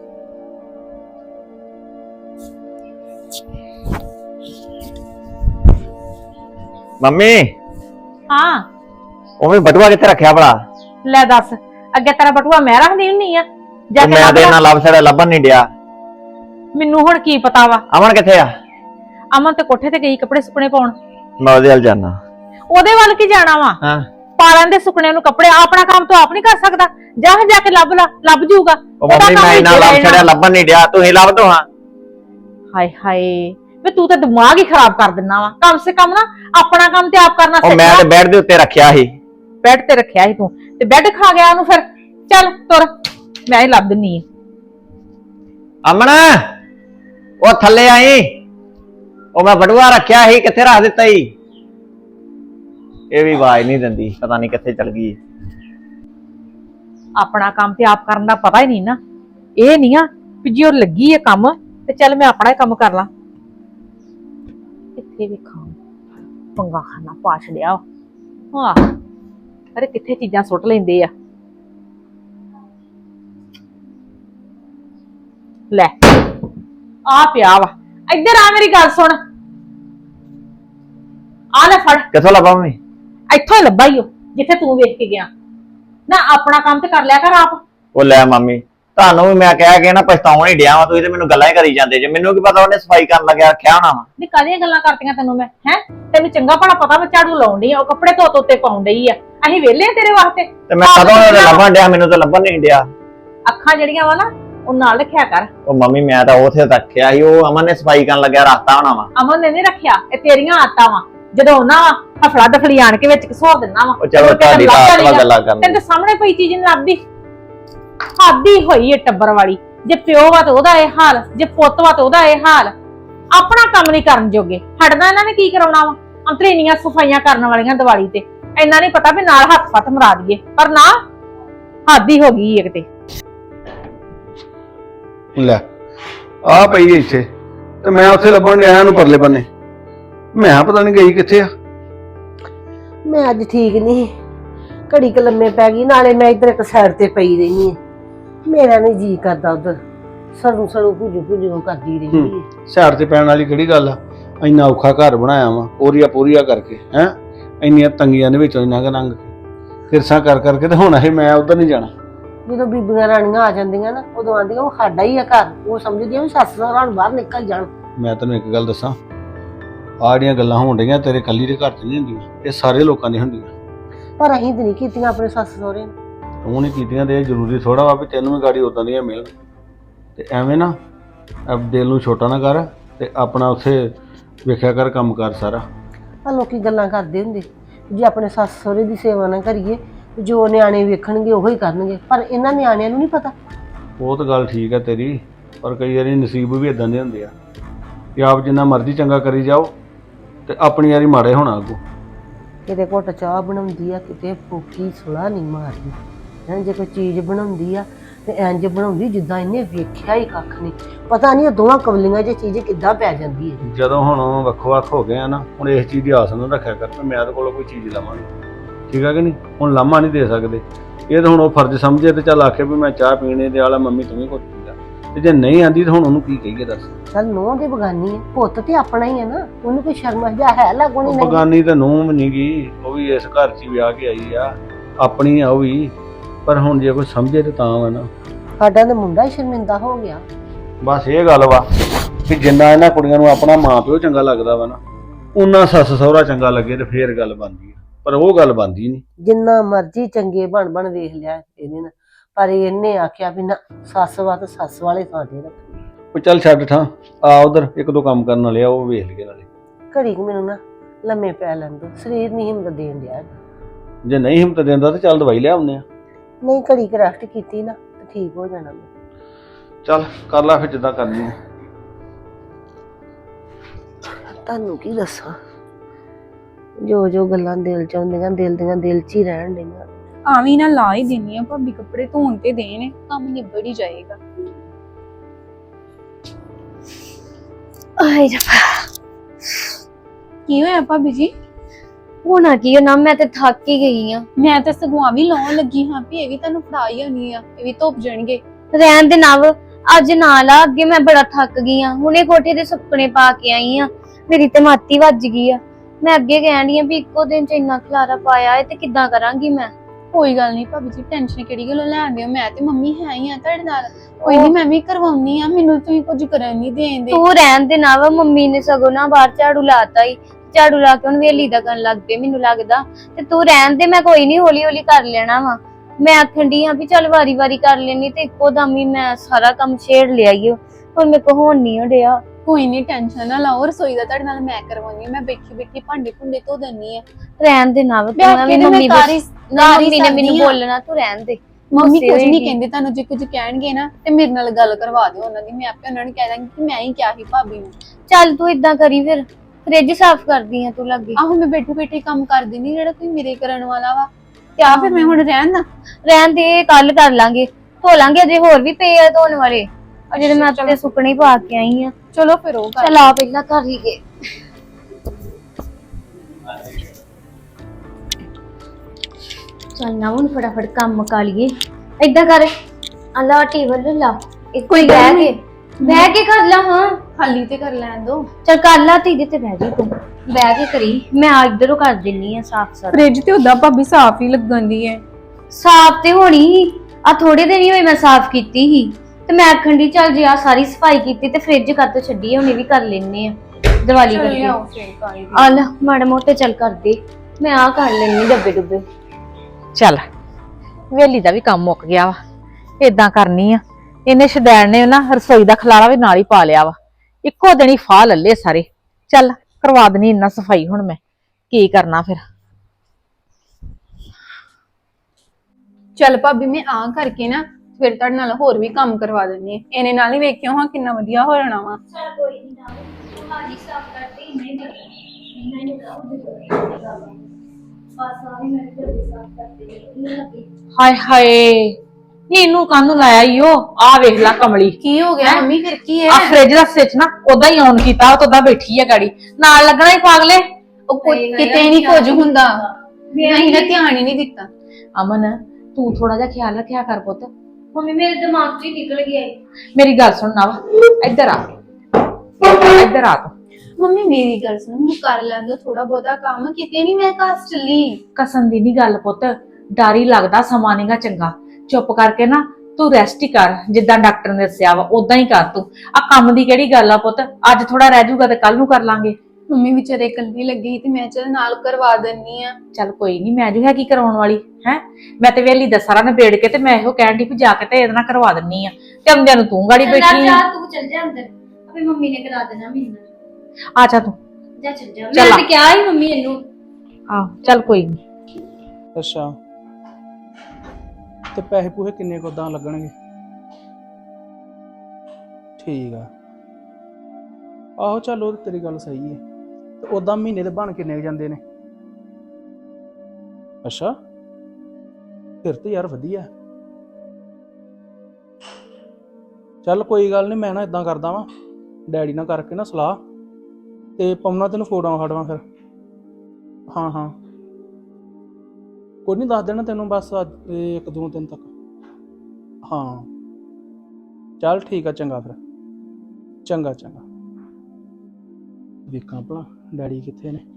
ਮੰਮੀ
ਹਾਂ
ਉਹ ਵੀ ਬਟੂਆ ਕਿੱਥੇ ਰੱਖਿਆ ਭਲਾ?
ਲੈ ਦੱਸ, ਅੱਗੇ ਤੇਰਾ ਬਟੂਆ ਮੈਂ ਰੱਖਦੀ ਹੁੰਨੀ ਆ ਜਾ ਕੇ
ਮੈਂ
ਲੱਭ
ਤੇ
ਲੈ।
ਇਹਨਾਂ ਲੱਭ ਛੜਾ ਲੱਭਣ ਨਹੀਂ ਡਿਆ।
ਮੈਨੂੰ ਹੁਣ ਕੀ ਪਤਾ ਵਾ,
ਅਮਨ ਕਿੱਥੇ ਆ?
ਅਮਨ ਤੇ ਕੋਠੇ ਤੇ ਗਈ ਕੱਪੜੇ ਸੁੱਕਣੇ ਪਾਉਣ।
ਮੈਂ ਉਹਦੇ ਵੱਲ ਜਾਣਾ।
ਉਹਦੇ ਵੱਲ ਕੀ ਜਾਣਾ ਵਾ?
ਹਾਂ
ਪਾਲਾਂ ਦੇ ਸੁੱਕਣੇ ਨੂੰ ਕੱਪੜੇ, ਆਪਣਾ ਕੰਮ ਤੂੰ ਆਪ ਨਹੀਂ ਕਰ ਸਕਦਾ? ਜਾ ਜਾ ਕੇ ਲੱਭ ਲਾ, ਲੱਭ ਜੂਗਾ।
ਉਹ ਮੰਮੀ ਮੈਂ ਇਹਨਾਂ ਲੱਭ ਛੜਾ ਲੱਭਣ ਨਹੀਂ ਡਿਆ, ਤੁਸੀਂ ਲੱਭ ਦੋ। ਹਾਂ
ਹਾਏ ਹਾਏ ਵੇ ਤੂੰ ਤਾਂ ਦਿਮਾਗ ਹੀ ਖਰਾਬ ਕਰ ਦਿੰਨਾ ਵਾ। ਕਮ ਸੇ ਕਮ ਨਾ ਆਪਣਾ ਕੰਮ ਤੇ ਆਪ ਕਰਨਾ
ਉਹ ਮੈਂ ਤੇ ਬੈੱਡ ਦੇ ਉੱਤੇ ਰੱਖਿਆ ਸੀ।
ਬੈੱਡ ਤੇ ਰੱਖਿਆ ਸੀ ਤੂੰ ਤੇ ਬੈੱਡ ਖਾ ਗਿਆ ਉਹਨੂੰ। ਫਿਰ ਚੱਲ ਤੁਰ, ਮੈਂ ਹੀ ਲੱਭ ਦਿੰਨੀ ਆ।
ਅਮਨ ਉਹ ਥੱਲੇ ਆਈ, ਉਹ ਮੈਂ ਬਟੂਆ ਰੱਖਿਆ ਸੀ, ਕਿੱਥੇ ਰੱਖ ਦਿੱਤਾ ਈ? ਇਹ ਵੀ ਆਵਾਜ਼ ਨਹੀਂ ਦਿੰਦੀ, ਪਤਾ ਨਹੀਂ ਕਿੱਥੇ ਚਲ ਗਈ।
ਆਪਣਾ ਕੰਮ ਤੇ ਆਪ ਕਰਨ ਦਾ ਪਤਾ ਹੀ ਨਹੀਂ ਨਾ। ਇਹ ਨਹੀਂ ਆ ਵੀ ਜੇ ਉਹ ਲੱਗੀ ਹੈ ਕੰਮ ਤੇ ਚੱਲ ਮੈਂ ਆਪਣਾ ਹੀ ਕੰਮ ਕਰ ਲਾਂ। ਕਿੱਥੇ ਵੇਖਾਂ, ਪੰਗਾ ਖਾਨਾ ਪਾ ਛੜਿਆ ਹਾਂ। ਅਰੇ ਕਿੱਥੇ ਚੀਜ਼ਾਂ ਸੁੱਟ ਲੈਂਦੇ ਆ। ਲੈ ਆ ਪਿਆ ਵਾ, ਇੱਧਰ ਆ ਮੇਰੀ ਗੱਲ ਸੁਣ। ਆ ਲੈ ਫੜ।
ਕਿੱਥੋਂ ਲੱਭਾਂ ਮੰਮੀ?
ਇੱਥੋਂ ਹੀ ਲੱਭਾ ਹੀ ਉਹ ਜਿੱਥੇ ਤੂੰ ਵੇਖ ਕੇ ਗਿਆ ਨਾ। ਆਪਣਾ ਕੰਮ ਤੇ ਕਰ ਲਿਆ ਕਰ ਆਪ।
ਉਹ ਲੈ ਮੰਮੀ, ਤੁਹਾਨੂੰ ਵੀ ਮੈਂ ਕਹਿ ਕੇ ਨਾ ਪਛਤਾਉਣ ਹੀ ਡਿਆ ਵਾ, ਤੁਸੀਂ ਤੇ ਮੈਨੂੰ ਗੱਲਾਂ ਹੀ ਕਰੀ ਜਾਂਦੇ ਜੇ। ਮੈਨੂੰ ਕੀ ਪਤਾ ਉਹਨੇ ਸਫਾਈ ਕਰਨ ਲੱਗਿਆ ਰੱਖਿਆ ਹੋਣਾ ਵਾ।
ਨੀ ਕਾਹਦੀਆਂ ਗੱਲਾਂ ਕਰਤੀਆਂ ਤੈਨੂੰ ਮੈਂ? ਹੈ ਤੈਨੂੰ ਚੰਗਾ ਭਲਾ ਪਤਾ ਮੈਂ ਝਾੜੂ ਲਾਉਣ ਡਈ ਆ, ਉਹ ਕੱਪੜੇ ਧੋ ਧੋ ਤੇ ਪਾਉਣ ਡਈ ਆ। ਅਸੀਂ ਵਿਹਲੇ ਆ ਤੇਰੇ ਵਾਸਤੇ।
ਤੇ ਮੈਂ ਕਦੋਂ ਉਹਦੇ ਲੱਭਣ ਡਿਆ, ਮੈਨੂੰ ਤਾਂ ਲੱਭਣ ਨਹੀਂ ਡਿਆ।
ਅੱਖਾਂ ਜਿਹੜੀਆਂ ਵਾ ਨਾ ਉਹ ਨਾਲ ਰੱਖਿਆ ਕਰ।
ਉਹ ਮੰਮੀ ਮੈਂ ਤਾਂ ਉੱਥੇ ਰੱਖਿਆ ਸੀ, ਉਹ ਅਮਨ ਨੇ ਸਫਾਈ ਕਰਨ ਲੱਗਿਆ ਰੱਖਤਾ ਹੋਣਾ ਵਾ।
ਅਮਨ ਨੇ ਨਹੀਂ ਰੱਖਿਆ, ਇਹ ਤੇਰੀਆਂ ਆਦਤਾਂ ਵਾ। ਜਦੋਂ ਨਾ ਹਫੜਾ ਦਫੜੀ ਆਣ ਕੇ ਵਿੱਚ ਘਸੋ ਦਿੰਨਾ ਵਾ।
ਉਹ ਚਲੋ ਤੁਹਾਡੀ ਤਾਂ ਆਤਮਾ ਗੱਲਾਂ ਕਰਨ।
ਤੈਨੂੰ ਸਾਹਮਣੇ ਪਈ ਚੀਜ਼ ਨਹੀਂ ਲੱਭਦੀ। ਆਦੀ ਹੋਈ ਏ ਟੱਬਰ ਵਾਲੀ। ਜੇ ਪਿਓ ਵਾ ਤਾਂ ਉਹਦਾ ਇਹ ਹਾਲ, ਜੇ ਪੁੱਤ ਵਾ ਤਾਂ ਉਹਦਾ ਇਹ ਹਾਲ। ਆਪਣਾ ਕੰਮ ਨਹੀਂ ਕਰਨ ਜੋਗੇ। ਹਟਦਾ ਇਹਨਾਂ ਨੇ ਕੀ ਕਰਾਉਣਾ ਵਾ? ਅੰਤਰੀਨੀਆਂ ਸਫਾਈਆਂ ਕਰਨ ਵਾਲੀਆਂ ਦੀਵਾਲੀ ਤੇ ਇੰਨਾ ਨਹੀਂ ਪਤਾ ਵੀ ਨਾਲ ਹੱਥ ਫੱਟ ਮਰਾ ਦਈਏ, ਪਰ ਨਾ ਹਾਦੀ ਹੋ ਗਈ ਏ ਕਿਤੇ।
ਲੈ ਆ ਪਈ ਇੱਥੇ ਤੇ ਮੈਂ ਉੱਥੇ ਲੱਭਣ ਡਿਆ ਇਹਨੂੰ ਪਰਲੇ ਬੰਨੇ। ਮੈਂ ਪਤਾ ਨਹੀਂ ਗਈ ਕਿੱਥੇ ਆ।
ਮੈਂ ਅੱਜ ਠੀਕ ਨਹੀਂ, ਘੜੀ ਕ ਲੰਮੇ ਪੈ ਗਈ। ਨਾਲੇ ਮੈਂ ਇੱਧਰ ਇੱਕ ਸਾਈਡ ਤੇ ਪਈ ਰਹਿਨੀ ਆ। ਮੇਰਾ ਨਹੀਂ ਜੀ ਕਰਦਾ ਉਧਰ ਸਰੂ ਸਰੂ ਭੁਜੂ ਭੁਜੂ ਕਰਦੀ ਰਹਿੰਦੀ ਹੈ।
ਸਿਰ ਤੇ ਪੈਣ ਵਾਲੀ ਕਿਹੜੀ ਗੱਲ ਆ? ਇੰਨਾ ਔਖਾ ਘਰ ਬਣਾਇਆ ਵਾ ਪੂਰੀਆ ਪੂਰੀਆ ਕਰਕੇ, ਹੈ ਇੰਨੀਆਂ ਤੰਗੀਆਂ ਦੇ ਵਿੱਚੋਂ ਨੰਗ ਨੰਗ ਕਿਰਸਾਂ ਕਰ ਕਰਕੇ ਤੇ ਹੁਣ ਇਹ ਮੈਂ ਉਧਰ ਨਹੀਂ ਜਾਣਾ।
ਜਦੋਂ ਬੀਬੀਆਂ ਰਾਣੀਆਂ ਆ ਜਾਂਦੀਆਂ ਨਾ ਉਦੋਂ ਆਂਦੀਆਂ ਉਹ ਸਾਡਾ ਹੀ ਆ ਘਰ। ਉਹ ਸਮਝਦੀਆਂ ਵੀ ਸੱਸ ਸਹੁਰਾ ਨੂੰ ਬਾਹਰ ਨਿਕਲ ਜਾਣ।
ਮੈਂ ਤੈਨੂੰ ਇੱਕ ਗੱਲ ਦੱਸਾਂ, ਆਹ ਜਿਹੜੀਆਂ ਗੱਲਾਂ ਹੋਣ ਡਈਆਂ ਤੇਰੇ ਕੱਲੀ ਦੇ ਘਰ 'ਚ ਨਹੀਂ ਹੁੰਦੀਆਂ, ਇਹ ਸਾਰੇ ਲੋਕਾਂ ਦੀਆਂ ਹੁੰਦੀਆਂ।
ਪਰ ਅਸੀਂ ਤੇ ਨਹੀਂ ਕੀਤੀਆਂ ਆਪਣੇ ਸੱਸ ਸਹੁਰੇ ਨੂੰ।
ਤੂੰ ਨਹੀਂ ਕੀਤੀਆਂ ਤੇ ਇਹ ਜ਼ਰੂਰੀ ਥੋੜਾ ਵਾ ਵੀ ਤੈਨੂੰ ਵੀ ਗਾੜੀ ਉਦਾਂ ਦੀਆਂ ਮਿਲਣ। ਤੇ ਐਵੇਂ ਨਾ ਅਬ ਦਿਲ ਨੂੰ ਛੋਟਾ ਨਾ ਕਰ ਤੇ ਆਪਣਾ ਉੱਥੇ ਵੇਖਿਆ ਕਰ ਕੰਮ ਕਰ ਸਾਰਾ।
ਆ ਲੋਕੀ ਗੱਲਾਂ ਕਰਦੇ ਹੁੰਦੇ ਜੇ ਆਪਣੇ ਸੱਸ ਸਹੁਰੇ ਦੀ ਸੇਵਾ ਨਾ ਕਰੀਏ ਜੋ ਨਿਆਣੇ ਵੇਖਣਗੇ ਉਹੀ ਕਰਨਗੇ, ਪਰ ਇਹਨਾਂ ਨਿਆਣਿਆਂ ਨੂੰ ਨਹੀਂ ਪਤਾ।
ਉਹ ਤਾਂ ਗੱਲ ਠੀਕ ਹੈ ਤੇਰੀ, ਪਰ ਕਈ ਵਾਰੀ ਨਸੀਬ ਵੀ ਇਦਾਂ ਦੇ ਹੁੰਦੇ ਆ ਕਿ ਆਪ ਜਿੰਨਾ ਮਰਜ਼ੀ ਚੰਗਾ ਕਰੀ ਜਾਓ ਤੇ ਆਪਣੀ ਵਾਰੀ ਮਾੜੇ ਹੋਣਾ ਅੱਗੋਂ।
ਕਿਤੇ ਘੁੱਟ ਚਾਹ ਬਣਾਉਂਦੀ ਆ, ਕਿਤੇ ਭੁੱਖੀ ਸੁਲਾ ਨਹੀਂ ਮਾਰਦੀ। ਹੈਂ ਜੇ ਕੋਈ ਚੀਜ਼ ਬਣਾਉਂਦੀ ਆ ਤੇ ਇੰਜ ਬਣਾਉਂਦੀ ਜਿੱਦਾਂ ਇਹਨੇ ਵੇਖਿਆ ਹੀ ਕੱਖ ਨਹੀਂ। ਪਤਾ ਨਹੀਂ ਉਹ ਦੋਵਾਂ ਕਵਲੀਆਂ 'ਚ ਚੀਜ਼ ਕਿੱਦਾਂ ਪੈ ਜਾਂਦੀ ਹੈ।
ਜਦੋਂ ਹੁਣ ਵੱਖੋ ਵੱਖ ਹੋ ਗਏ ਆ ਨਾ, ਹੁਣ ਇਸ ਚੀਜ਼ ਦੀ ਆਸ ਨਾ ਰੱਖਿਆ ਕਰ ਮੈਂ ਇਹਦੇ ਕੋਲੋਂ ਕੋਈ ਚੀਜ਼ ਲਵਾਂਗੀ, ਠੀਕ ਆ ਕਿ ਨਹੀਂ? ਹੁਣ ਲਾਮਾ ਨਹੀਂ ਦੇ ਸਕਦੇ। ਇਹ ਤਾਂ ਹੁਣ ਉਹ ਫਰਜ਼ ਸਮਝੇ ਤੇ ਚੱਲ ਆਖੇ ਵੀ ਮੈਂ ਚਾਹ ਪੀਣੇ ਦੇ ਵਾਲਾ ਮੰਮੀ ਤੂੰ ਵੀ ਕੁਝ ਪੀ ਲੈ, ਤੇ ਜੇ ਨਹੀਂ ਆਂਦੀ ਤਾਂ ਹੁਣ ਉਹਨੂੰ ਕੀ ਕਹੀਏ ਦੱਸ?
ਚੱਲ ਨੂੰਹ ਦੀ ਬਗਾਨੀ ਹੈ, ਪੁੱਤ ਤੇ ਆਪਣਾ ਹੀ ਹੈ ਨਾ। ਉਹਨੂੰ ਕੋਈ ਸ਼ਰਮ ਹਜਾ ਹੈ ਲੱਗਣੀ ਨਹੀਂ।
ਬਗਾਨੀ ਤਾਂ ਨੂੰਹ ਵੀ ਨਹੀਂ ਗਈ, ਉਹ ਵੀ ਇਸ ਘਰ 'ਚ ਹੀ ਵਿਆਹ ਕੇ ਆਈ ਆ, ਆਪਣੀ ਆ ਉਹ ਵੀ। ਪਰ ਹੁਣ ਜੇ ਕੋਈ ਸਮਝੇ ਤੇ ਤਾਂ ਵਾ ਨਾ।
ਸਾਡਾ ਤਾਂ ਮੁੰਡਾ ਹੀ ਸ਼ਰਮਿੰਦਾ ਹੋ ਗਿਆ।
ਬਸ ਇਹ ਗੱਲ ਵਾ ਕਿ ਜਿੰਨਾ ਇਹਨਾਂ ਕੁੜੀਆਂ ਨੂੰ ਆਪਣਾ ਮਾਂ ਪਿਓ ਚੰਗਾ ਲੱਗਦਾ ਵਾ ਨਾ, ਉਹਨਾਂ ਸੱਸ ਸਹੁਰਾ ਚੰਗਾ ਲੱਗੇ ਤੇ ਫੇਰ ਗੱਲ ਬਣਦੀ ਆ, ਪਰ ਉਹ ਗੱਲ ਬਣਦੀ ਨਹੀਂ।
ਜਿੰਨਾ ਮਰਜ਼ੀ ਚੰਗੇ ਬਣ ਬਣ ਵੇਖ ਲਿਆ ਇਹਨੇ ਨਾ, ਪਰ ਇਹਨੇ ਆਖਿਆ ਵੀ ਨਾ ਸੱਸ ਵਾ ਤੇ ਸੱਸ ਵਾਲੇ ਥਾਂ ਤੇ ਰੱਖਣੀ।
ਉਹ ਚੱਲ ਛੱਡ ਠਾਂ, ਆ ਉਧਰ ਇੱਕ ਦੋ ਕੰਮ ਕਰਨ ਵਾਲੇ ਆ, ਉਹ ਵੇਖ ਲਈਏ ਨਾਲੇ।
ਘੜੀ ਕੁ ਮੈਨੂੰ ਨਾ ਲੰਮੇ ਪੈ ਲੈਣ ਦੋ, ਸਰੀਰ ਨਹੀਂ ਹਿੰਮਤ ਦੇਣ ਡਿਆ।
ਜੇ ਨਹੀਂ ਹਿੰਮਤ ਦਿੰਦਾ ਤੇ ਚੱਲ ਦਵਾਈ ਲਿਆ ਆਉਂਦੇ ਆ।
ਨਹੀਂ ਘੜੀ ਕੁ ਰੈਸਟ ਕੀਤੀ ਨਾ ਤੇ ਠੀਕ ਹੋ ਜਾਣਾ ਮੈਂ।
ਚੱਲ ਕਰ ਲੈ ਫਿਰ ਜਿੱਦਾਂ ਕਰਨੀ ਆ।
ਤੁਹਾਨੂੰ ਕੀ ਦੱਸਾਂ, ਜੋ ਜੋ ਗੱਲਾਂ ਦਿਲ ਚ ਆਉਂਦੀਆਂ ਦਿਲ ਦੀਆਂ ਦਿਲ ਚ ਹੀ ਰਹਿਣ ਡਈਆਂ।
ਆਵੀਂ ਨਾ ਲਾ ਹੀ ਦੇਣੀ ਆ ਭਾਬੀ, ਕੱਪੜੇ ਧੋਣ ਤੇ ਦੇਣ, ਕੰਮ ਨਿਬੜ ਹੀ ਜਾਏਗਾ।
ਆਏ ਰੱਬਾ
ਕੀ ਹੋਇਆ ਭਾਬੀ ਜੀ?
ਹੋਣਾ ਕੀ ਆ ਨਾ, ਮੈਂ ਤੇ ਥੱਕ ਹੀ ਗਈ ਆ।
ਮੈਂ ਤਾਂ ਸਗੋਂ ਵੀ ਲਾਉਣ ਲੱਗੀ ਹਾਂ ਵੀ ਇਹ ਵੀ ਤੁਹਾਨੂੰ ਫੜਾਈ ਹੋਣੀ ਆ, ਇਹ ਵੀ ਧੁੱਪ ਜਾਣਗੇ।
ਰਹਿਣ ਦੇ ਨਵ, ਅੱਜ ਨਾਲ ਆ, ਅੱਗੇ ਮੈਂ ਬੜਾ ਥੱਕ ਗਈ ਆ। ਹੁਣੇ ਕੋਠੇ ਦੇ ਸੁੱਕਣੇ ਪਾ ਕੇ ਆਈ ਆ, ਮੇਰੀ ਤੇ ਮਾਤੀ ਵੱਜ ਗਈ ਆ। ਮੈਂ ਅੱਗੇ ਕਹਿਣੀ ਆ ਵੀ ਇੱਕੋ ਦਿਨ ਚ ਇੰਨਾ ਖਲਾਰਾ ਪਾਇਆ ਹੈ ਤੇ ਕਿੱਦਾਂ ਕਰਾਂਗੀ ਮੈਂ।
ਕੋਈ ਗੱਲ ਨਹੀਂ ਭਾਬੀ ਜੀ, ਟੈਨਸ਼ਨ ਕਿਹੜੀ ਗੱਲੋਂ ਲੈਂਦੇ ਹੋ? ਮੈਂ ਤੇ ਮੰਮੀ ਹੈ ਹੀ ਆ ਤੁਹਾਡੇ ਨਾਲ। ਕੋਈ ਨਹੀਂ, ਮੈਂ ਵੀ ਕਰਵਾਉਣੀ ਆ, ਮੈਨੂੰ ਤੁਸੀਂ ਕੁਝ ਕਰਨ ਨਹੀਂ ਦੇਂਦੇ।
ਤੂੰ ਰਹਿਣ ਦੇ ਨਵ, ਮੰਮੀ ਨੇ ਸਗੋਂ ਨਾ ਬਾਹਰ ਝਾੜੂ ਲਾਤਾ ਹੀ, ਝਾੜੂ ਲਾ ਕੇ ਹੁਣ ਵੇਲੀ ਦਾ ਕਰਨ ਲੱਗ ਪਏ ਮੈਨੂੰ ਲੱਗਦਾ। ਤੇ ਤੂੰ ਰਹਿਣ ਦੇ, ਮੈਂ ਕੋਈ ਨਹੀਂ ਹੌਲੀ ਹੌਲੀ ਕਰ ਲੈਣਾ ਵਾ। ਮੈਂ ਆਖਣ ਡਈ ਆ ਵੀ ਚੱਲ ਵਾਰੀ ਵਾਰੀ ਕਰ ਲੈਣੀ, ਤੇ ਇੱਕੋ ਦਮ ਹੀ ਮੈਂ ਸਾਰਾ ਕੰਮ ਛੇੜ ਲਿਆ ਈ ਓ। ਹੁਣ ਮੇਰੇ ਕੋ ਹੋਣ ਨਹੀਂ ਡਿਆ।
ਕੋਈ ਨਹੀਂ, ਟੈਨਸ਼ਨ ਨਾ ਲਓ, ਰਸੋਈ ਦਾ ਤੁਹਾਡੇ ਨਾਲ ਮੈਂ ਕਰਵਾਉਣੀ ਆ। ਮੈਂ ਬੈਠੀ ਬੈਠੀ ਭਾਂਡੇ ਭੁੰਡੇ ਧੋ ਦਿੰਨੀ ਆ।
ਰਹਿਣ ਦੇ ਨਵ, ਤੂੰ ਨਾ ਵੀ ਮੰਮੀ ਮੰਮੀ ਨੇ ਮੈਨੂੰ ਬੋਲਣਾ, ਤੂੰ ਰਹਿਣ ਦੇ।
ਮੰਮੀ ਕੁਝ ਨਹੀਂ ਕਹਿੰਦੇ ਤੁਹਾਨੂੰ, ਜੇ ਕੁਝ ਕਹਿਣਗੇ ਨਾ ਤੇ ਮੇਰੇ ਨਾਲ ਗੱਲ ਕਰਵਾ ਦਿਓ ਉਹਨਾਂ ਦੀ। ਮੈਂ ਆਪੇ ਉਹਨਾਂ ਨੂੰ ਕਹਿ ਦਾਂਗੀ ਕਿ ਮੈਂ ਹੀ ਕਿਹਾ ਸੀ ਭਾਬੀ ਨੂੰ।
ਚੱਲ ਤੂੰ ਇਦਾਂ ਕਰੀ, ਫਿਰ ਫ੍ਰਿਜ ਸਾਫ਼ ਕਰਦੀ ਆ ਤੂੰ ਲੱਗੇ।
ਆਹੋ, ਮੈਂ ਬੈਠੀ ਬੈਠੀ ਕੰਮ ਕਰ ਦਿੰਦੀ, ਜਿਹੜਾ ਕੋਈ ਮੇਰੇ ਕਰਨ ਵਾਲਾ ਵਾ। ਤੇ ਆ ਫਿਰ ਮੈਂ ਹੁਣ ਰਹਿਣ ਨਾ
ਰਹਿਣ ਦੇ, ਕੱਲ ਕਰ ਲਾਂਗੇ, ਧੋ ਲਾਂਗੇ। ਅਜੇ ਹੋਰ ਵੀ ਪਏ ਆ ਧੋਣ ਵਾਲੇ, ਅਜੇ ਮੈਂ ਤੇ ਸੁੱਕਣੇ ਪਾ ਕੇ ਆਈ ਆ।
ਚਲੋ ਫਿਰ ਉਹ ਕਰ।
ਚੱਲ ਆ ਪਹਿਲਾਂ ਕਰ ਲਈਏ। ਚੱਲ ਨਾ ਹੁਣ ਫਟਾਫਟ ਕੰਮ ਮੁਕਾ ਲਈਏ। ਏਦਾਂ ਕਰ, ਅੱਲਾ ਟੇਬਲ ਲਾ, ਕੋਈ ਬਹਿ ਕੇ ਬਹਿ ਕੇ ਕਰ ਲਾ। ਹਾਂ
ਖਾਲੀ ਤੇ ਕਰ ਲੈਣ ਦੋ।
ਚੱਲ ਕਰ ਲਾ, ਤੇ ਇਹਦੇ ਤੇ ਬਹਿ ਜਾ ਤੂੰ, ਬਹਿ ਕੇ ਕਰੀ। ਮੈਂ ਆ ਇਧਰੋਂ ਕਰ ਦਿੰਨੀ ਆ ਸਾਫ਼ ਸਾਫ਼।
ਫ੍ਰਿਜ ਤੇ ਉਦਾਂ ਭਾਬੀ ਸਾਫ਼ ਹੀ ਲੱਗਣ ਦੀ ਹੈ।
ਸਾਫ਼ ਤੇ ਹੋਣੀ ਹੀ ਆ, ਥੋੜੇ ਦਿਨ ਹੀ ਹੋਏ ਮੈਂ ਸਾਫ਼ ਕੀਤੀ ਸੀ। ਤੇ ਮੈਂ ਆਖਣ ਦੀ ਚੱਲ ਜੇ ਆ ਸਾਰੀ ਸਫਾਈ ਕੀਤੀ ਤੇ ਫ੍ਰਿਜ ਕਰ ਤੋਂ ਛੱਡੀ, ਹੁਣ ਇਹ ਵੀ ਕਰ ਲੈਨੇ ਆ ਦੀਵਾਲੀ ਕਰਕੇ। ਆ ਲੈ ਮਾੜੇ ਮੋਟੇ ਚੱਲ ਕਰ ਦੇ, ਮੈਂ ਆ ਕਰ ਲੈਣੀ ਡੱਬੇ ਡੁੱਬੇ।
ਚੱਲ ਵੇਲੀ ਦਾ ਵੀ ਕੰਮ ਮੁੱਕ ਗਿਆ ਵਾ। ਏਦਾਂ ਕਰਨੀ ਆ, ਇਹਨੇ ਸ਼ਦੈਣ ਨੇ ਨਾ ਰਸੋਈ ਦਾ ਖਲਾਰਾ ਵੀ ਨਾਲ ਹੀ ਪਾ ਲਿਆ ਵਾ। ਇੱਕੋ ਦਿਨ ਹੀ ਫਾਹ ਲੱਲੇ ਸਾਰੇ। ਚੱਲ ਕਰਵਾ ਦੇਣੀ ਇੰਨਾ ਸਫਾਈ, ਹੁਣ ਮੈਂ ਕੀ ਕਰਨਾ ਫਿਰ।
ਚੱਲ ਭਾਬੀ, ਮੈਂ ਆ ਕਰਕੇ ਨਾ ਫਿਰ ਤੁਹਾਡੇ ਨਾਲ ਹੋਰ ਵੀ ਕੰਮ ਕਰਵਾ ਦਿੰਦੀ ਆ। ਇਹਨੇ ਨਾਲ ਹੀ ਵੇਖਿਓ ਹਾਂ ਕਿੰਨਾ ਵਧੀਆ ਹੋ ਜਾਣਾ ਵਾ।
ਚੱਲ ਕੋਈ ਨਹੀਂ ਨਾ, ਤੂੰ ਹਾਜੀ ਸਾਫ਼ ਕਰਦੀ ਨਹੀਂ ਨਹੀਂ ਨਹੀਂ ਨਾ ਉਹਦੇ ਬਸ ਆ ਵੀ ਮੈਂ ਡੱਬੇ ਸਾਫ਼ ਕਰਦੀ ਨਹੀਂ ਲੱਗੀ।
ਹਾਏ ਹਾਏ, ਇਹਨੂੰ ਕਾਹਨੂੰ ਲਾਇਆ ਈ ਉਹ? ਆ ਵੇਖ ਲੈ ਕਮਲੀ,
ਕੀ ਹੋ ਗਿਆ ਮੰਮੀ? ਫਿਰ ਕੀ ਹੈ?
ਆ ਫ੍ਰਿਜ ਦਾ ਸਵਿਚ ਨਾ ਉਦਾਂ ਹੀ ਆਨ ਕੀਤਾ, ਉਹ ਤਾਂ ਬੈਠੀ ਆ ਗਾੜੀ ਨਾਲ ਲੱਗਣਾ ਹੀ ਪਾਗਲੇ।
ਉਹ ਕੋਈ ਕਿਤੇ ਨਹੀਂ ਕੁਝ ਹੁੰਦਾ, ਮੈਂ ਇਹਦਾ ਧਿਆਨ ਹੀ ਨਹੀਂ ਦਿੱਤਾ।
ਅਮਨ, ਤੂੰ ਥੋੜਾ ਜਿਹਾ ਖਿਆਲ ਰੱਖਿਆ ਕਰ ਪੁੱਤ।
ਮੰਮੀ ਮੇਰੇ ਦਿਮਾਗ 'ਚ ਹੀ ਨਿਕਲ ਗਿਆ।
ਮੇਰੀ ਗੱਲ ਸੁਣ ਨਾ, ਇੱਧਰ ਆ, ਇੱਧਰ ਆ ਤੂੰ।
ਮੰਮੀ ਮੇਰੀ ਗੱਲ ਸੁਣ, ਮੈਨੂੰ ਕਰ ਲੈਣ ਦੋ ਥੋੜਾ ਬਹੁਤਾ ਕੰਮ, ਕਿਤੇ ਨਹੀਂ ਮੈਂ ਘਰ ਚੱਲੀ।
ਕਸਮ ਦੀ ਨਹੀਂ ਗੱਲ ਪੁੱਤ, ਡਰ ਹੀ ਲੱਗਦਾ, ਸਮਾਂ ਨੀਗਾ ਚੰਗਾ। ਚੁੱਪ ਕਰਕੇ ਨਾ ਤੂੰ ਰੈਸਟ ਹੀ ਕਰ, ਜਿੱਦਾਂ ਡਾਕਟਰ ਨੇ ਦੱਸਿਆ ਵਾ ਉਦਾਂ ਹੀ ਕਰ ਤੂੰ। ਆ ਕੰਮ ਦੀ ਕਿਹੜੀ ਗੱਲ ਆ ਪੁੱਤ, ਅੱਜ ਥੋੜਾ ਰਹਿ ਜਾਊਗਾ ਤੇ ਕੱਲ ਨੂੰ ਕਰ ਲਾਂਗੇ।
ਮੰਮੀ ਵਿਚਾਰੇ ਇਕੱਲੀ ਲੱਗੀ ਤੇ ਮੈਂ ਚੱਲ ਨਾਲ ਕਰਵਾ ਦਿੰਨੀ ਆ।
ਚੱਲ ਕੋਈ ਨਹੀਂ, ਮੈਂ ਜੋ ਹੈ ਕੀ ਕਰਵਾਉਣ ਵਾਲੀ ਹੈ। ਮੈਂ ਤੇ ਵੇਲੀ ਦਾ ਸਾਰਾ ਨਿਬੇੜ ਕੇ ਤੇ ਮੈਂ ਇਹੋ ਕਹਿਣ ਦੀ ਵੀ ਜਾ ਕੇ ਤੇ ਇਹਦੇ ਨਾਲ ਕਰਵਾ ਦਿੰਨੀ ਆ, ਤੇ ਅੰਦਿਆਂ ਨੂੰ ਤੂੰ ਗਾੜੀ ਬੈਠੀ ਆ।
ਤੂੰ ਚੱਲ ਜਾ ਅੰਦਰ, ਆਪੇ ਮੰਮੀ ਨੇ ਕਰਾ ਦੇਣਾ ਮੈਨੂੰ।
ਆ ਜਾ ਤੂੰ,
ਜਾ ਚੱਲ ਜਾ,
ਚੱਲ
ਮੈਂ
ਆ।
ਤੇ ਕਿਹਾ ਹੀ ਮੰਮੀ ਇਹਨੂੰ।
ਆਹ ਚੱਲ ਕੋਈ ਨਹੀਂ।
ਅੱਛਾ, ਤੇ ਪੈਸੇ ਪੂਹੇ ਕਿੰਨੇ ਕੁ ਲੱਗਣਗੇ? ਠੀਕ ਆ, ਆਹੋ ਚੱਲ ਉਹ ਤੇਰੀ ਗੱਲ ਸਹੀ ਹੈ। ਤੇ ਉਦਾਂ ਮਹੀਨੇ ਦੇ ਬਣ ਕਿੰਨੇ ਕੁ ਜਾਂਦੇ ਨੇ? ਅੱਛਾ, ਫਿਰ ਤੇ ਯਾਰ ਵਧੀਆ। ਚੱਲ ਕੋਈ ਗੱਲ ਨਹੀਂ, ਮੈਂ ਨਾ ਇਦਾਂ ਕਰਦਾ ਵਾਂ, ਡੈਡੀ ਨਾਲ ਕਰਕੇ ਨਾ ਸਲਾਹ, ਤੇ ਪਾਉਣਾ ਤੈਨੂੰ ਫੋਟੋਆਂ ਫਾਟਵਾਂ ਫਿਰ। ਹਾਂ ਹਾਂ ਕੋਈ ਨਹੀਂ, ਦੱਸ ਦੇਣਾ ਤੈਨੂੰ ਬਸ ਅੱਜ ਇੱਕ ਦੋ ਦਿਨ ਤੱਕ। ਹਾਂ ਚੱਲ ਠੀਕ ਆ, ਚੰਗਾ ਫਿਰ, ਚੰਗਾ ਚੰਗਾ। ਵੇਖਾਂ ਭਲਾ ਡੈਡੀ ਕਿੱਥੇ ਨੇ।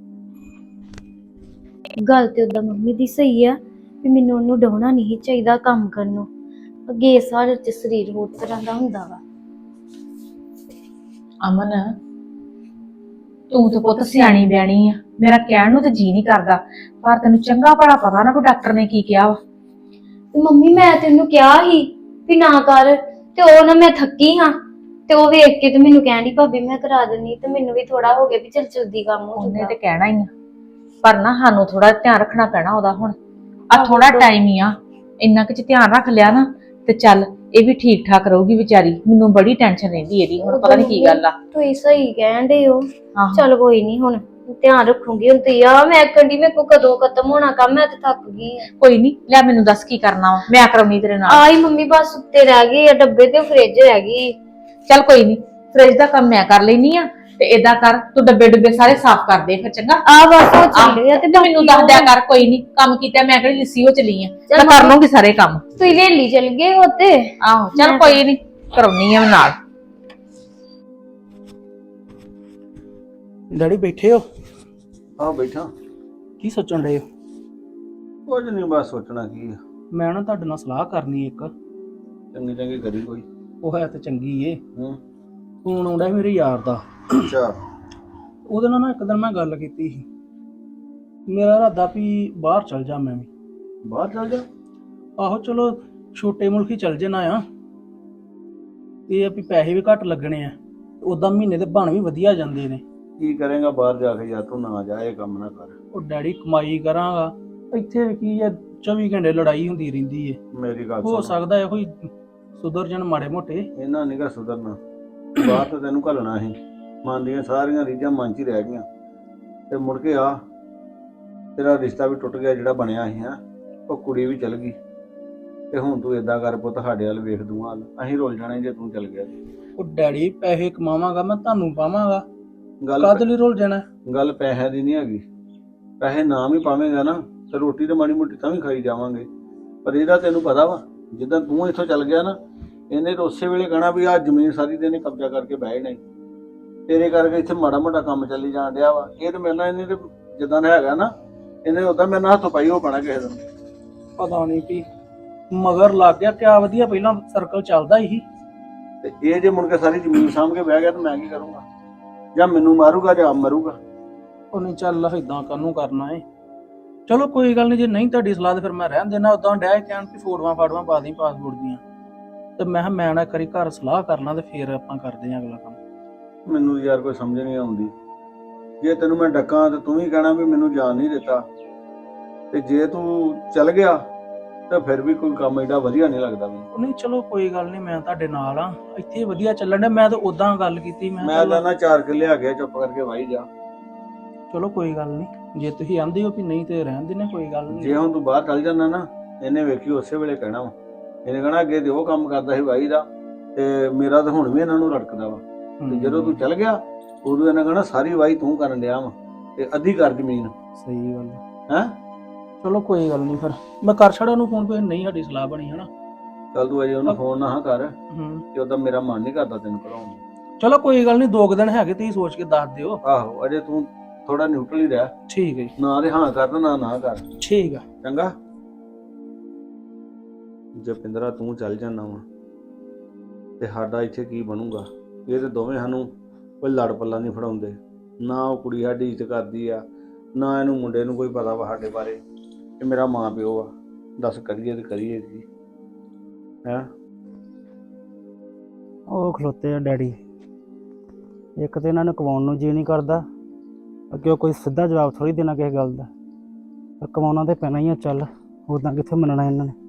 ਗੱਲ ਤੇ ਉਦਾਂ ਮੰਮੀ ਦੀ ਸਹੀ ਆ ਵੀ ਮੈਨੂੰ ਉਹਨੂੰ ਡਾਉਣਾ ਨਹੀਂ ਚਾਹੀਦਾ ਕੰਮ ਕਰਨ ਨੂੰ। ਅੱਗੇ ਸਾਰੇ ਚ ਸਰੀਰ ਹੋਰ ਤਰ੍ਹਾਂ ਦਾ ਹੁੰਦਾ ਵਾ।
ਅਮਨ, ਤੂੰ ਤੇ ਪੁੱਤ ਸਿਆਣੀ ਬਿਆਣੀ ਆ, ਮੇਰਾ ਕਹਿਣ ਨੂੰ ਤੇ ਜੀ ਨਹੀਂ ਕਰਦਾ, ਪਰ ਤੈਨੂੰ ਚੰਗਾ ਭਲਾ ਪਤਾ ਨਾ ਕਿ ਡਾਕਟਰ ਨੇ ਕੀ ਕਿਹਾ ਵਾ।
ਤੇ ਮੰਮੀ ਮੈਂ ਤੈਨੂੰ ਕਿਹਾ ਸੀ ਵੀ ਨਾ ਕਰ, ਤੇ ਉਹ ਨਾ ਮੈਂ ਥੱਕੀ ਹਾਂ, ਤੇ ਉਹ ਵੇਖ ਕੇ ਤੇ ਮੈਨੂੰ ਕਹਿਣੀ ਭਾਬੀ ਮੈਂ ਕਰਾ ਦਿੰਨੀ, ਤੇ ਮੈਨੂੰ ਵੀ ਥੋੜਾ ਹੋ ਗਿਆ ਵੀ ਚਲ ਜਲਦੀ ਕੰਮ ਹੋ
ਉਹਨੇ
ਜਾਊਗਾ।
ਤੇ ਕਹਿਣਾ ਹੀ ਆ, ਪਰ ਨਾ ਸਾਨੂੰ ਥੋੜਾ ਧਿਆਨ ਰੱਖਣਾ ਪੈਣਾ ਉਹਦਾ। ਹੁਣ ਆ ਥੋੜਾ ਟਾਈਮ ਹੀ ਆ, ਇੰਨਾ ਕੁ ਚ ਧਿਆਨ ਰੱਖ ਲਿਆ ਨਾ ਤੇ ਚੱਲ ਇਹ ਵੀ ਠੀਕ ਠਾਕ ਰਹੂਗੀ ਵਿਚਾਰੀ। ਮੈਨੂੰ ਬੜੀ ਟੈਨਸ਼ਨ ਰਹਿੰਦੀ ਇਹਦੀ, ਹੁਣ ਪਤਾ ਨਹੀਂ ਕੀ ਗੱਲ ਆ।
ਤੁਸੀਂ ਸਹੀ ਕਹਿੰਦੇ ਹੋ।
ਆਹੋ।
ਚੱਲ ਕੋਈ ਨਹੀਂ, ਹੁਣ ਧਿਆਨ ਰੱਖੂਗੀ। ਹੁਣ ਤੇ ਆ ਮੈਂ ਕੰਡੀ ਮੇਰੇ ਕੋ ਕਦੋਂ ਖਤਮ ਹੋਣਾ ਕੰਮ, ਮੈਂ ਤੇ ਥੱਕ ਗਈ ਆ।
ਕੋਈ ਨਹੀਂ, ਲੈ ਮੈਨੂੰ ਦੱਸ ਕੀ ਕਰਨਾ ਵਾ, ਮੈਂ ਕਰਾਉਣੀ ਤੇਰੇ ਨਾਲ।
ਆਈ ਮੰਮੀ ਬਸ ਉੱਤੇ ਰਹਿ ਗਈ ਆ ਡੱਬੇ, ਤੇ ਫ੍ਰਿਜ ਰਹਿ ਗਈ।
ਚੱਲ ਕੋਈ ਨਹੀਂ, ਫ੍ਰਿਜ ਦਾ ਕੰਮ ਮੈਂ ਕਰ ਲੈਣੀ ਆ ਤੇ ਏਦਾਂ ਕਰ ਤੂੰ ਡੱਬੇ ਡੁੱਬੇ ਸਾਰੇ ਸਾਫ਼ ਕਰ ਦੇ ਫਿਰ ਚੰਗਾ
ਆ ਬਸ ਉਹ
ਆਹ,
ਚੱਲ ਗਿਆ ਤੇ
ਤੇ ਮੈਨੂੰ ਦੱਸ ਦਿਆ ਕਰ ਕੋਈ ਨਹੀਂ ਕੰਮ ਕੀਤਾ ਮੈਂ ਕਿਹੜੀ ਲਿੱਸੀ ਹੋ ਚਲੀ ਆ ਮੈਂ ਕਰ ਲੂੰਗੀ ਸਾਰੇ ਕੰਮ
ਤੁਸੀਂ ਵੇਲੀ ਚਲ ਗਏ ਉੱਤੇ
ਆਹੋ ਚੱਲ ਕੋਈ ਨਹੀਂ ਕਰਾਉਣੀ ਆ ਮੈਂ ਨਾਲ
ਡੈਡੀ ਬੈਠੇ ਹੋ
ਆਹ ਬੈਠਾ
ਕੀ ਸੋਚਣ ਡਏ ਹੋ?
ਕੁਝ ਨਹੀਂ ਬਸ ਸੋਚਣਾ ਕੀ ਆ
ਮੈਂ ਨਾ ਤੁਹਾਡੇ ਨਾਲ ਸਲਾਹ ਕਰਨੀ ਇੱਕ।
ਚੰਗੀ ਚੰਗੀ ਕਰੀ ਕੋਈ।
ਉਹ ਹੈ ਤੇ ਚੰਗੀ ਏ।
ਹੂੰ
ਫੋਨ ਆਉਂਦਾ ਮੇਰੇ ਯਾਰ ਦਾ।
ਅੱਛਾ
ਉਹਦੇ ਨਾਲ ਨਾ ਇੱਕ ਦਿਨ ਮੈਂ ਗੱਲ ਕੀਤੀ ਸੀ। ਮੇਰਾ ਇਰਾਦਾ ਵੀ ਬਾਹਰ ਚਲ ਜਾ ਮੈਂ ਵੀ।
ਬਾਹਰ ਚੱਲ ਜਾ।
ਆਹੋ ਚਲੋ ਛੋਟੇ ਮੁਲਕ ਹੀ ਚਲ ਜੇ ਨਾ ਆ। ਇਹ ਆ ਵੀ ਪੈਸੇ ਵੀ ਘੱਟ ਲੱਗਣੇ ਆ। ਉਦਾਂ ਮਹੀਨੇ ਦੇ ਬਣ ਵੀ ਵਧੀਆ ਜਾਂਦੇ ਨੇ।
ਕੀ ਕਰੇਗਾ ਬਾਹਰ ਜਾ ਕੇ? ਯਾਰ ਤੂੰ ਨਾ ਜਾ, ਇਹ ਕੰਮ ਨਾ ਕਰ।
ਉਹ ਡੈਡੀ ਕਮਾਈ ਕਰਾਂਗਾ ਇੱਥੇ ਵੀ ਕੀ ਆ ਚੌਵੀ ਘੰਟੇ ਲੜਾਈ ਹੁੰਦੀ ਰਹਿੰਦੀ ਏ।
ਮੇਰੀ ਗੱਲ
ਹੋ
ਸੁਣ,
ਸਕਦਾ ਇਹੋ ਹੀ ਸੁਧਰ ਜਾਣ ਮਾੜੇ ਮੋਟੇ।
ਇਹਨਾਂ ਨਿਗਾ ਸੁਧਰਨਾ। ਬਾਹਰ ਤਾਂ ਤੈਨੂੰ ਘੱਲਣਾ ਸੀ, ਮਨ ਦੀਆਂ ਸਾਰੀਆਂ ਰੀਝਾਂ ਮਨ 'ਚ ਹੀ ਰਹਿ ਗਈਆਂ ਤੇ ਮੁੜ ਕੇ ਆ ਤੇਰਾ ਰਿਸ਼ਤਾ ਵੀ ਟੁੱਟ ਗਿਆ ਜਿਹੜਾ ਬਣਿਆ ਸੀ। ਹੈਂ ਉਹ ਕੁੜੀ ਵੀ ਚਲ ਗਈ ਤੇ ਹੁਣ ਤੂੰ ਏਦਾਂ ਕਰ ਪੁੱਤ, ਸਾਡੇ ਵੱਲ ਵੇਖ ਦੂੰਗਾ, ਅਸੀਂ ਰੁੱਲ ਜਾਣੇ ਜੇ ਤੂੰ ਚਲ ਗਿਆ।
ਉਹ ਡੈਡੀ ਪੈਸੇ ਕਮਾਵਾਂਗਾ ਮੈਂ ਤੁਹਾਨੂੰ ਪਾਵਾਂਗਾ,
ਗੱਲ
ਕਦ ਲਈ ਰੁੱਲ ਜਾਣਾ?
ਗੱਲ ਪੈਸਿਆਂ ਦੀ ਨਹੀਂ ਹੈਗੀ। ਪੈਸੇ ਨਾਮ ਹੀ ਪਾਵੇਂਗਾ ਨਾ ਤੇ ਰੋਟੀ ਤੇ ਮਾੜੀ ਮੋਟੀ ਤਾਂ ਵੀ ਖਾਈ ਜਾਵਾਂਗੇ। ਪਰ ਇਹਦਾ ਤੈਨੂੰ ਪਤਾ ਵਾ ਜਿੱਦਾਂ ਤੂੰ ਇੱਥੋਂ ਚੱਲ ਗਿਆ ਨਾ, ਇਹਨੇ ਤਾਂ ਉਸੇ ਵੇਲੇ ਕਹਿਣਾ ਵੀ ਆਹ ਜ਼ਮੀਨ ਸਾਰੀ ਤੇ ਇਹਨੇ ਕਬਜ਼ਾ ਕਰਕੇ ਬਹਿ ਜਾਣਾ। ਤੇਰੇ ਕਰਕੇ ਇੱਥੇ ਮਾੜਾ ਮੋਟਾ ਕੰਮ ਚੱਲੀ ਜਾਣ ਡਿਆ ਵਾ। ਇਹ ਤੇ ਮੇਰੇ ਨਾਲ ਇਹਨੇ ਤੇ ਜਿੱਦਾਂ ਦਾ ਹੈਗਾ ਨਾ, ਇਹਨੇ ਉਦਾਂ ਮੇਰੇ ਨਾਲ ਹੱਥੋਂ ਪਾਈ ਹੋ ਪੈਣਾ ਕਿਸੇ ਦਿਨ।
ਪਤਾ ਨਹੀਂ ਵੀ ਮਗਰ ਲੱਗ ਗਿਆ ਕਿਆ ਵਧੀਆ, ਪਹਿਲਾਂ ਸਰਕਲ ਚੱਲਦਾ ਹੀ।
ਤੇ ਇਹ ਜੇ ਮੁੜ ਕੇ ਸਾਰੀ ਜ਼ਮੀਨ ਸਾਂਭ ਕੇ ਬਹਿ ਗਿਆ ਤਾਂ ਮੈਂ ਕੀ ਕਰੂੰਗਾ? ਜਾਂ ਮੈਨੂੰ ਮਾਰੂਗਾ ਜਾਂ ਆਪ ਮਰੂਗਾ।
ਉਹ ਨਹੀਂ ਚੱਲ ਇਦਾਂ ਕਾਹਨੂੰ ਕਰਨਾ ਏ। ਚਲੋ ਕੋਈ ਗੱਲ ਨਹੀਂ, ਜੇ ਨਹੀਂ ਤੁਹਾਡੀ ਸਲਾਹ ਤੇ ਫਿਰ ਮੈਂ ਰਹਿਣ ਦੇਣਾ। ਉਦਾਂ ਡੈ ਕਹਿਣ ਕਿ ਫੋਟੋਆਂ ਫਾਟੋਆਂ ਪਾ ਦੀ ਪਾਸਪੋਰਟ ਦੀਆਂ। ਤੇ ਮੈਂ ਕਿਹਾ ਮੈਂ ਨਾ ਕਰੀ ਘਰ ਸਲਾਹ ਕਰ ਲਾਂ ਤੇ ਫਿਰ ਆਪਾਂ ਕਰਦੇ ਆਂ ਅਗਲਾ ਕੰਮ।
ਮੈਨੂੰ ਯਾਰ ਕੋਈ ਸਮਝ ਨਹੀਂ ਆਉਂਦੀ। ਜੇ ਤੈਨੂੰ ਮੈਂ ਡੱਕਾਂ ਤੇ ਤੂੰ ਵੀ ਕਹਿਣਾ ਵੀ ਮੈਨੂੰ ਜਾਣ ਨਹੀਂ ਦਿੱਤਾ, ਤੇ ਜੇ ਤੂੰ ਚੱਲ ਗਿਆ ਤਾਂ ਫਿਰ ਵੀ ਕੋਈ ਕੰਮ ਏਡਾ ਵਧੀਆ ਨਹੀਂ ਲੱਗਦਾ ਮੈਨੂੰ।
ਉਹ ਨਹੀਂ ਚਲੋ ਕੋਈ ਗੱਲ ਨਹੀਂ, ਮੈਂ ਤੁਹਾਡੇ ਨਾਲ ਆ। ਇੱਥੇ ਵਧੀਆ ਚੱਲਣ ਡਿਆ। ਮੈਂ ਤਾਂ ਉਦਾਂ ਗੱਲ ਕੀਤੀ, ਮੈਂ
ਮੈਂ
ਚੱਲ-
ਤਾਂ ਨਾ ਚਾਰ ਕਿੱਲੇ ਆ ਗਿਆ, ਚੁੱਪ ਕਰਕੇ ਵਾਹੀ ਜਾ।
ਚਲੋ ਕੋਈ ਗੱਲ ਨਹੀਂ, ਜੇ ਤੁਸੀਂ ਆਂਦੇ ਹੋ ਵੀ ਨਹੀਂ ਤੇ ਰਹਿਣ ਦੇਣੇ, ਕੋਈ ਗੱਲ ਨਹੀਂ।
ਜੇ ਹੁਣ ਤੂੰ ਬਾਹਰ ਚੱਲ ਜਾਂਦਾ ਨਾ, ਇਹਨੇ ਵੇਖੀ ਉਸੇ ਵੇਲੇ ਕਹਿਣਾ ਵਾ। ਇਹਨੇ ਕਹਿਣਾ ਅੱਗੇ ਤੇ ਉਹ ਕੰਮ ਕਰਦਾ ਸੀ ਵਾਹੀ ਦਾ, ਤੇ ਮੇਰਾ ਤਾਂ ਹੁਣ ਵੀ ਇਹਨਾਂ ਨੂੰ ਰੜਕਦਾ ਵਾ। ਤੇ ਜਦੋਂ ਤੂੰ ਚੱਲ ਗਿਆ ਉਦੋਂ ਇਹਨਾਂ ਕਹਿਣਾ ਸਾਰੀ ਵਾਹੀ ਤੂੰ ਕਰਨ ਡਿਆ ਵਾ ਤੇ ਅੱਧੀ ਕਰ ਜ਼ਮੀਨ।
ਸਹੀ ਗੱਲ
ਹੈਂ
ਚਲੋ ਕੋਈ ਗੱਲ ਨਹੀਂ, ਫਿਰ ਮੈਂ ਕਰ ਛੜਾ ਉਹਨੂੰ ਫੋਨ ਪੇ। ਨਹੀਂ ਸਾਡੀ ਸਲਾਹ ਬਣੀ ਹਨਾ।
ਚੱਲ ਤੂੰ ਅਜੇ ਉਹਨੂੰ ਫੋਨ ਨਾ ਕਰ,
ਹੂੰ
ਕਿ ਉਹਦਾ ਮੇਰਾ ਮਨ ਨਹੀਂ ਕਰਦਾ ਤੈਨੂੰ ਕਰਾਉਣ ਨੂੰ।
ਚਲੋ ਕੋਈ ਗੱਲ ਨਹੀਂ, ਦੋ ਕੁ ਦਿਨ ਹੈਗੇ, ਤੁਸੀਂ ਸੋਚ ਕੇ ਦੱਸ ਦਿਓ।
ਆਹੋ ਅਜੇ ਤੂੰ ਥੋੜਾ ਨਿਊਟਰਲ ਹੀ ਰਹਿ।
ਠੀਕ ਹੈ ਜੀ,
ਨਾ ਤੇ ਹਾਂ ਕਰ ਤੇ ਨਾ ਨਾ ਕਰ।
ਠੀਕ ਆ।
ਚੰਗਾ ਜਪਿੰਦਰਾ ਤੂੰ ਚੱਲ ਜਾਣਾ ਵਾ ਤੇ ਸਾਡਾ ਇੱਥੇ ਕੀ ਬਣੂਗਾ? ਇਹ ਤੇ ਦੋਵੇਂ ਸਾਨੂੰ ਕੋਈ ਲੜ ਪੱਲਾ ਨਹੀਂ ਫੜਾਉਂਦੇ। ਨਾ ਉਹ ਕੁੜੀ ਸਾਡੀ ਇੱਜ਼ਤ ਕਰਦੀ ਆ, ਨਾ ਇਹਨੂੰ ਮੁੰਡੇ ਨੂੰ ਕੋਈ ਪਤਾ ਵਾ ਸਾਡੇ ਬਾਰੇ ਕਿ ਮੇਰਾ ਮਾਂ ਪਿਓ ਆ। ਦੱਸ ਕਰੀਏ ਤੇ ਕਰੀਏ ਕੀ ਹੈਂ?
ਉਹ ਖਲੋਤੇ ਆ ਡੈਡੀ। ਇੱਕ ਤੇ ਇਹਨਾਂ ਨੂੰ ਕਮਾਉਣ ਨੂੰ ਜੀ ਨਹੀਂ ਕਰਦਾ, ਅੱਗੇ ਉਹ ਕੋਈ ਸਿੱਧਾ ਜਵਾਬ ਥੋੜੀ ਦੇਣਾ ਕਿਸੇ ਗੱਲ ਦਾ। ਪਰ ਕਮਾਉਣਾ ਤੇ ਪੈਣਾ ਹੀ ਆ। ਚੱਲ ਉਦਾਂ ਕਿੱਥੇ ਮੰਨਣਾ ਇਹਨਾਂ ਨੇ।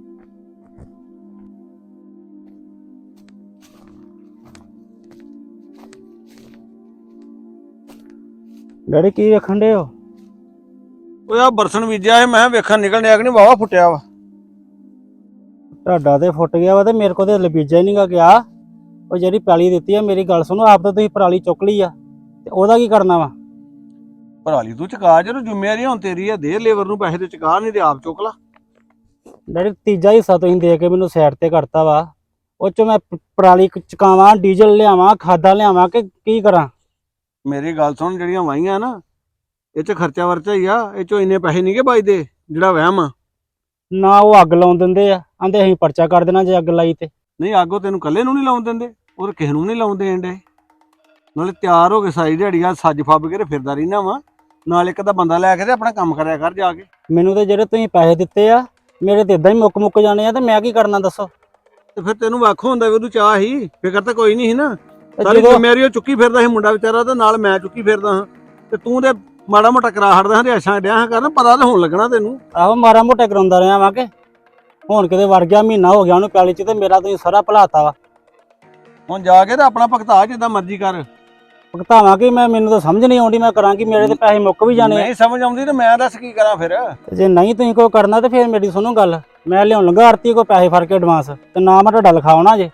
ਡੈਡੀ ਕੀ ਵੇਖਣ ਡੇ ਹੋ?
ਓਏ ਆ ਬਰਸਨ ਬੀਜਿਆ ਸੀ, ਮੈਂ ਵੇਖਣ ਨਿਕਲ ਡਿਆ ਕਿ ਨਹੀਂ ਵਾਵਾ ਫੁੱਟਿਆ ਵਾ।
ਤੁਹਾਡਾ ਤੇ ਫੁੱਟ ਗਿਆ ਵਾ ਤੇ ਮੇਰੇ ਕੋਲ ਤੇ ਲਬੀਜਾ ਹੀ ਨਹੀਂਗਾ ਗਿਆ। ਉਹ ਜਿਹੜੀ ਪੈਲੀ ਦਿੱਤੀ ਆ, ਮੇਰੀ ਗੱਲ ਸੁਣੋ, ਆਪ ਤਾਂ ਤੁਸੀਂ ਪਰਾਲੀ ਚੁੱਕ ਲਈ ਆ ਤੇ ਉਹਦਾ ਕੀ ਕਰਨਾ ਵਾ?
ਭਰਾਲੀ ਤੂੰ ਚੁਕਾ, ਜਦੋਂ ਜ਼ਿੰਮੇਵਾਰੀ ਹੁਣ ਤੇਰੀ ਆ, ਦੇ ਲੇਬਰ ਨੂੰ ਪੈਸੇ ਤੇ ਚੁਕਾ, ਨਹੀਂ ਤੇ ਆਪ ਚੁੱਕ ਲਾ।
ਡੈਡੀ ਤੀਜਾ ਹਿੱਸਾ ਤੁਸੀਂ ਦੇ ਕੇ ਮੈਨੂੰ ਸਾਈਡ ਤੇ ਕਰਤਾ ਵਾ। ਉਹ ਚ ਮੈਂ ਪ- ਪਰਾਲੀ ਕ- ਚੁਕਾਵਾਂ, ਡੀਜ਼ਲ ਲਿਆਵਾਂ, ਖਾਦਾਂ ਲਿਆਵਾਂ ਕਿ ਕੀ ਕਰਾਂ?
ਮੇਰੀ ਗੱਲ ਸੁਣ, ਜਿਹੜੀਆਂ ਵਾਹੀਆਂ ਨਾ ਇਹ ਚ ਖਰਚਾ ਵਰਚਾ ਹੀ ਆ। ਇਹ ਚੋਂ ਇੰਨੇ ਪੈਸੇ ਨਹੀਂਗੇ ਬਚਦੇ ਜਿਹੜਾ ਵਹਿਮ ਆ।
ਨਾ ਉਹ ਅੱਗ ਲਾਉਣ ਦਿੰਦੇ ਆ, ਆਂਦੇ ਅਸੀਂ ਪਰਚਾ ਕਰ ਦੇਣਾ ਜੇ ਅੱਗ ਲਾਈ ਤੇ।
ਨਹੀਂ ਅੱਗੋਂ ਤੈਨੂੰ ਇਕੱਲੇ ਨੂੰ ਨਹੀਂ ਲਾਉਣ ਦਿੰਦੇ, ਉਹ ਕਿਸੇ ਨੂੰ ਨਹੀਂ ਲਾਉਣ ਦੇਣ ਡੇ। ਨਾਲੇ ਤਿਆਰ ਹੋ ਕੇ ਸਾਰੀ ਦਿਹਾੜੀ ਆ ਸੱਜ ਫੱਬ ਕੇ ਤੇ ਫਿਰਦਾ ਰਹਿਣਾ ਵਾ। ਨਾਲ ਇੱਕ ਤਾਂ ਬੰਦਾ ਲੈ ਕੇ ਤੇ ਆਪਣਾ ਕੰਮ ਕਰਿਆ ਕਰ ਜਾ ਕੇ। ਮੈਨੂੰ
ਤੇ ਜਿਹੜੇ ਤੁਸੀਂ ਪੈਸੇ ਦਿੱਤੇ ਆ, ਮੇਰੇ ਤੇ ਇਦਾਂ ਹੀ ਮੁੱਕ ਮੁੱਕ ਜਾਣੇ ਆ ਤੇ ਮੈਂ ਕੀ ਕਰਨਾ ਦੱਸੋ?
ਤੇ ਫਿਰ ਤੈਨੂੰ ਵੱਖ ਹੁੰਦਾ ਵੀ ਉਹਨੂੰ ਚਾਹ ਹੀ, ਫਿਕਰ ਤਾਂ ਕੋਈ ਨਹੀਂ ਸੀ ਨਾ।
ਤੇ
ਸਾਰੀ
ਜਦੋਂ-
ਜ਼ਿੰਮੇਵਾਰੀ ਉਹ ਚੁੱਕੀ ਫਿਰਦਾ ਸੀ ਮੁੰਡਾ ਵਿਚਾਰਾ, ਤੇ ਨਾਲ ਮੈਂ ਚੁੱਕੀ ਫਿਰਦਾ ਹਾਂ। ਤੇ ਤੂੰ ਤੇ ਮਾੜਾ ਮੋਟਾ ਕਰਾ ਹਟਦਾ ਹਾਂ, ਰਿਆਸ਼ਾਂ ਡਿਆ ਹਾਂ ਕਰਨ, ਪਤਾ ਤਾਂ ਹੁਣ ਲੱਗਣਾ ਤੈਨੂੰ।
ਆਹੋ ਮਾਰਾ ਮੋਟਾ ਕਰਾਉਂਦਾ ਰਿਹਾ ਵਾਂ ਕਿ ਹੁਣ ਕਿਤੇ ਵੜ ਗਿਆ, ਮਹੀਨਾ ਹੋ ਗਿਆ ਉਹਨੂੰ ਪੈਲੀ ਚ ਤੇ ਮੇਰਾ ਤੁਸੀਂ ਸਾਰਾ ਭੁਲਾਤਾ ਵਾ।
ਹੁਣ ਜਾ ਕੇ ਤੇ ਆਪਣਾ ਭਗਤਾ ਜਿੱਦਾਂ ਮਰਜ਼ੀ ਕਰ।
ਭੁਗਤਾਵਾਂ ਕਿ ਮੈਂ, ਮੈਨੂੰ ਤਾਂ ਸਮਝ ਨਹੀਂ ਆਉਂਦੀ ਮੈਂ ਕਰਾਂ ਕਿ ਮੇਰੇ ਤੇ ਪੈਸੇ ਮੁੱਕ ਵੀ ਜਾਣੇ ਆ।
ਨਹੀਂ ਸਮਝ ਆਉਂਦੀ ਤੇ ਮੈਂ ਦੱਸ ਕੀ ਕਰਾਂ ਫਿਰ।
ਤੇ ਜੇ ਨਹੀਂ ਤੁਸੀਂ ਕੋਈ ਕਰਨਾ ਤੇ ਫਿਰ ਮੇਰੀ ਸੁਣੋ ਗੱਲ, ਮੈਂ ਲਿਆਉਣ ਲੱਗਾ ਆਰਤੀ ਕੋ ਪੈਸੇ ਫੜ ਕੇ ਐਡਵਾਂਸ, ਤੇ ਨਾ ਮੈਂ ਤੁਹਾਡਾ ਲਿਖਾਉਣਾ ਜੇ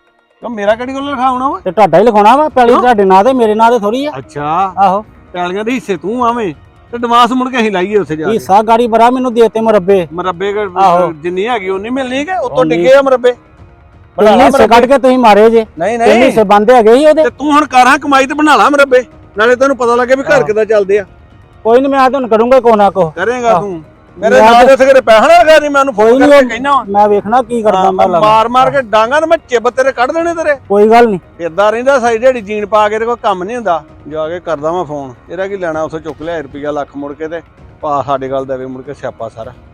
ਤਾਂ ਮੇਰਾ ਕਿਹੜੀ ਗੱਲ ਲਿਖਾਉਣਾ ਵਾ?
ਤੇ ਤੁਹਾਡਾ ਹੀ ਲਿਖਾਉਣਾ ਵਾ ਪੈਲੀ
ਕਿਉਂ?
ਤੁਹਾਡੇ ਨਾਂ ਤੇ ਮੇਰੇ ਨਾਂ ਤੇ ਥੋੜੀ ਆ।
ਅੱਛਾ
ਆਹੋ
ਪੈਲੀਆਂ ਦੇ ਹਿੱਸੇ ਤੂੰ ਆਵੇਂ ਤੇ ਐਡਵਾਂਸ ਮੁੜ ਕੇ ਅਸੀਂ ਲਾਈਏ ਉੱਥੇ ਜਾ ਕੇ
ਹਿੱਸਾ ਗਾੜੀ ਬੜਾ ਮੈਨੂੰ ਦੇਤੇ ਮੁਰੱਬੇ
ਮਰੱਬੇ
ਆਹੋ।
ਜਿੰਨੀ ਹੈਗੀ ਉਨੀ ਮਿਲਣੀ ਕਿ ਉੱਤੋਂ
ਉਨੀ।
ਡਿੱਗੇ ਆ ਮਰੱਬੇ ਬਣਾ
ਤਿੰਨ
ਲਾ
ਹਿੱਸੇ ਕੱਢ ਕੇ ਤੁਸੀਂ ਮਾਰੇ ਜੇ
ਨਹੀਂ
ਤਿੰਨ
ਨਹੀਂ
ਹਿੱਸੇ ਬੰਦੇ ਹੈਗੇ ਸੀ ਉਹਦੇ।
ਤੇ ਤੂੰ ਹੁਣ ਕਾਰਾਂ ਕਮਾਈ ਤੇ ਬਣਾ ਲਾ ਮਰੱਬੇ ਨਾਲੇ ਤੈਨੂੰ ਪਤਾ ਲੱਗੇ ਵੀ ਘਰ
ਆਹੋ।
ਕਿੱਦਾਂ ਚੱਲਦੇ ਆ
ਕੋਈ ਨਹੀਂ ਮੈਂ ਤੁਹਾਨੂੰ ਕਰੂੰਗਾ ਕੋ ਨਾ ਕੋ
ਕਰੇਗਾ
ਆਹੋ।
ਤੂੰ ਮੇਰੇ
ਮੈਂ
ਨਾਲ
ਤੇ-
ਉੱਥੇ ਕਿਤੇ ਪੈਸਾ ਨਾ ਲਗਾ ਨਹੀਂ ਮੈਂ ਉਹਨੂੰ
ਕੋਈ
ਫੋਨ
ਨੀ,
ਕਰਕੇ
ਉਹ-
ਕਹਿਣਾ
ਮੈਂ ਵੇਖਣਾ ਕੀ ਕਰਦਾ ਮੈਂ ਲੱਗਦਾ।
ਮਾਰ ਮਾਰ ਕੇ ਡਾਂਗਾ ਨਾ ਮੈਂ ਚਿੱਬ ਤੇਰੇ ਕੱਢ ਦੇਣੇ ਤੇਰੇ
ਕੋਈ ਗੱਲ ਨਹੀਂ
ਏਦਾਂ ਰਹਿੰਦਾ ਸਾਈ ਢੇੜੀ ਜੀਣ ਪਾ ਕੇ ਤੇ ਕੋਈ ਕੰਮ ਨਹੀਂ ਹੁੰਦਾ ਜਾ ਕੇ ਕਰਦਾ ਮੈਂ ਫੋਨ ਇਹਦਾ ਕੀ ਲੈਣਾ ਉੱਥੇ ਚੁੱਕ ਲਿਆ ਰੁਪਈਆ ਲੱਖ ਮੁੜ ਕੇ ਤੇ ਪਾ ਸਾਡੇ ਗੱਲ ਦੇਵੇ ਮੁੜ ਕੇ ਸਿਆਪਾ ਸਾਰਾ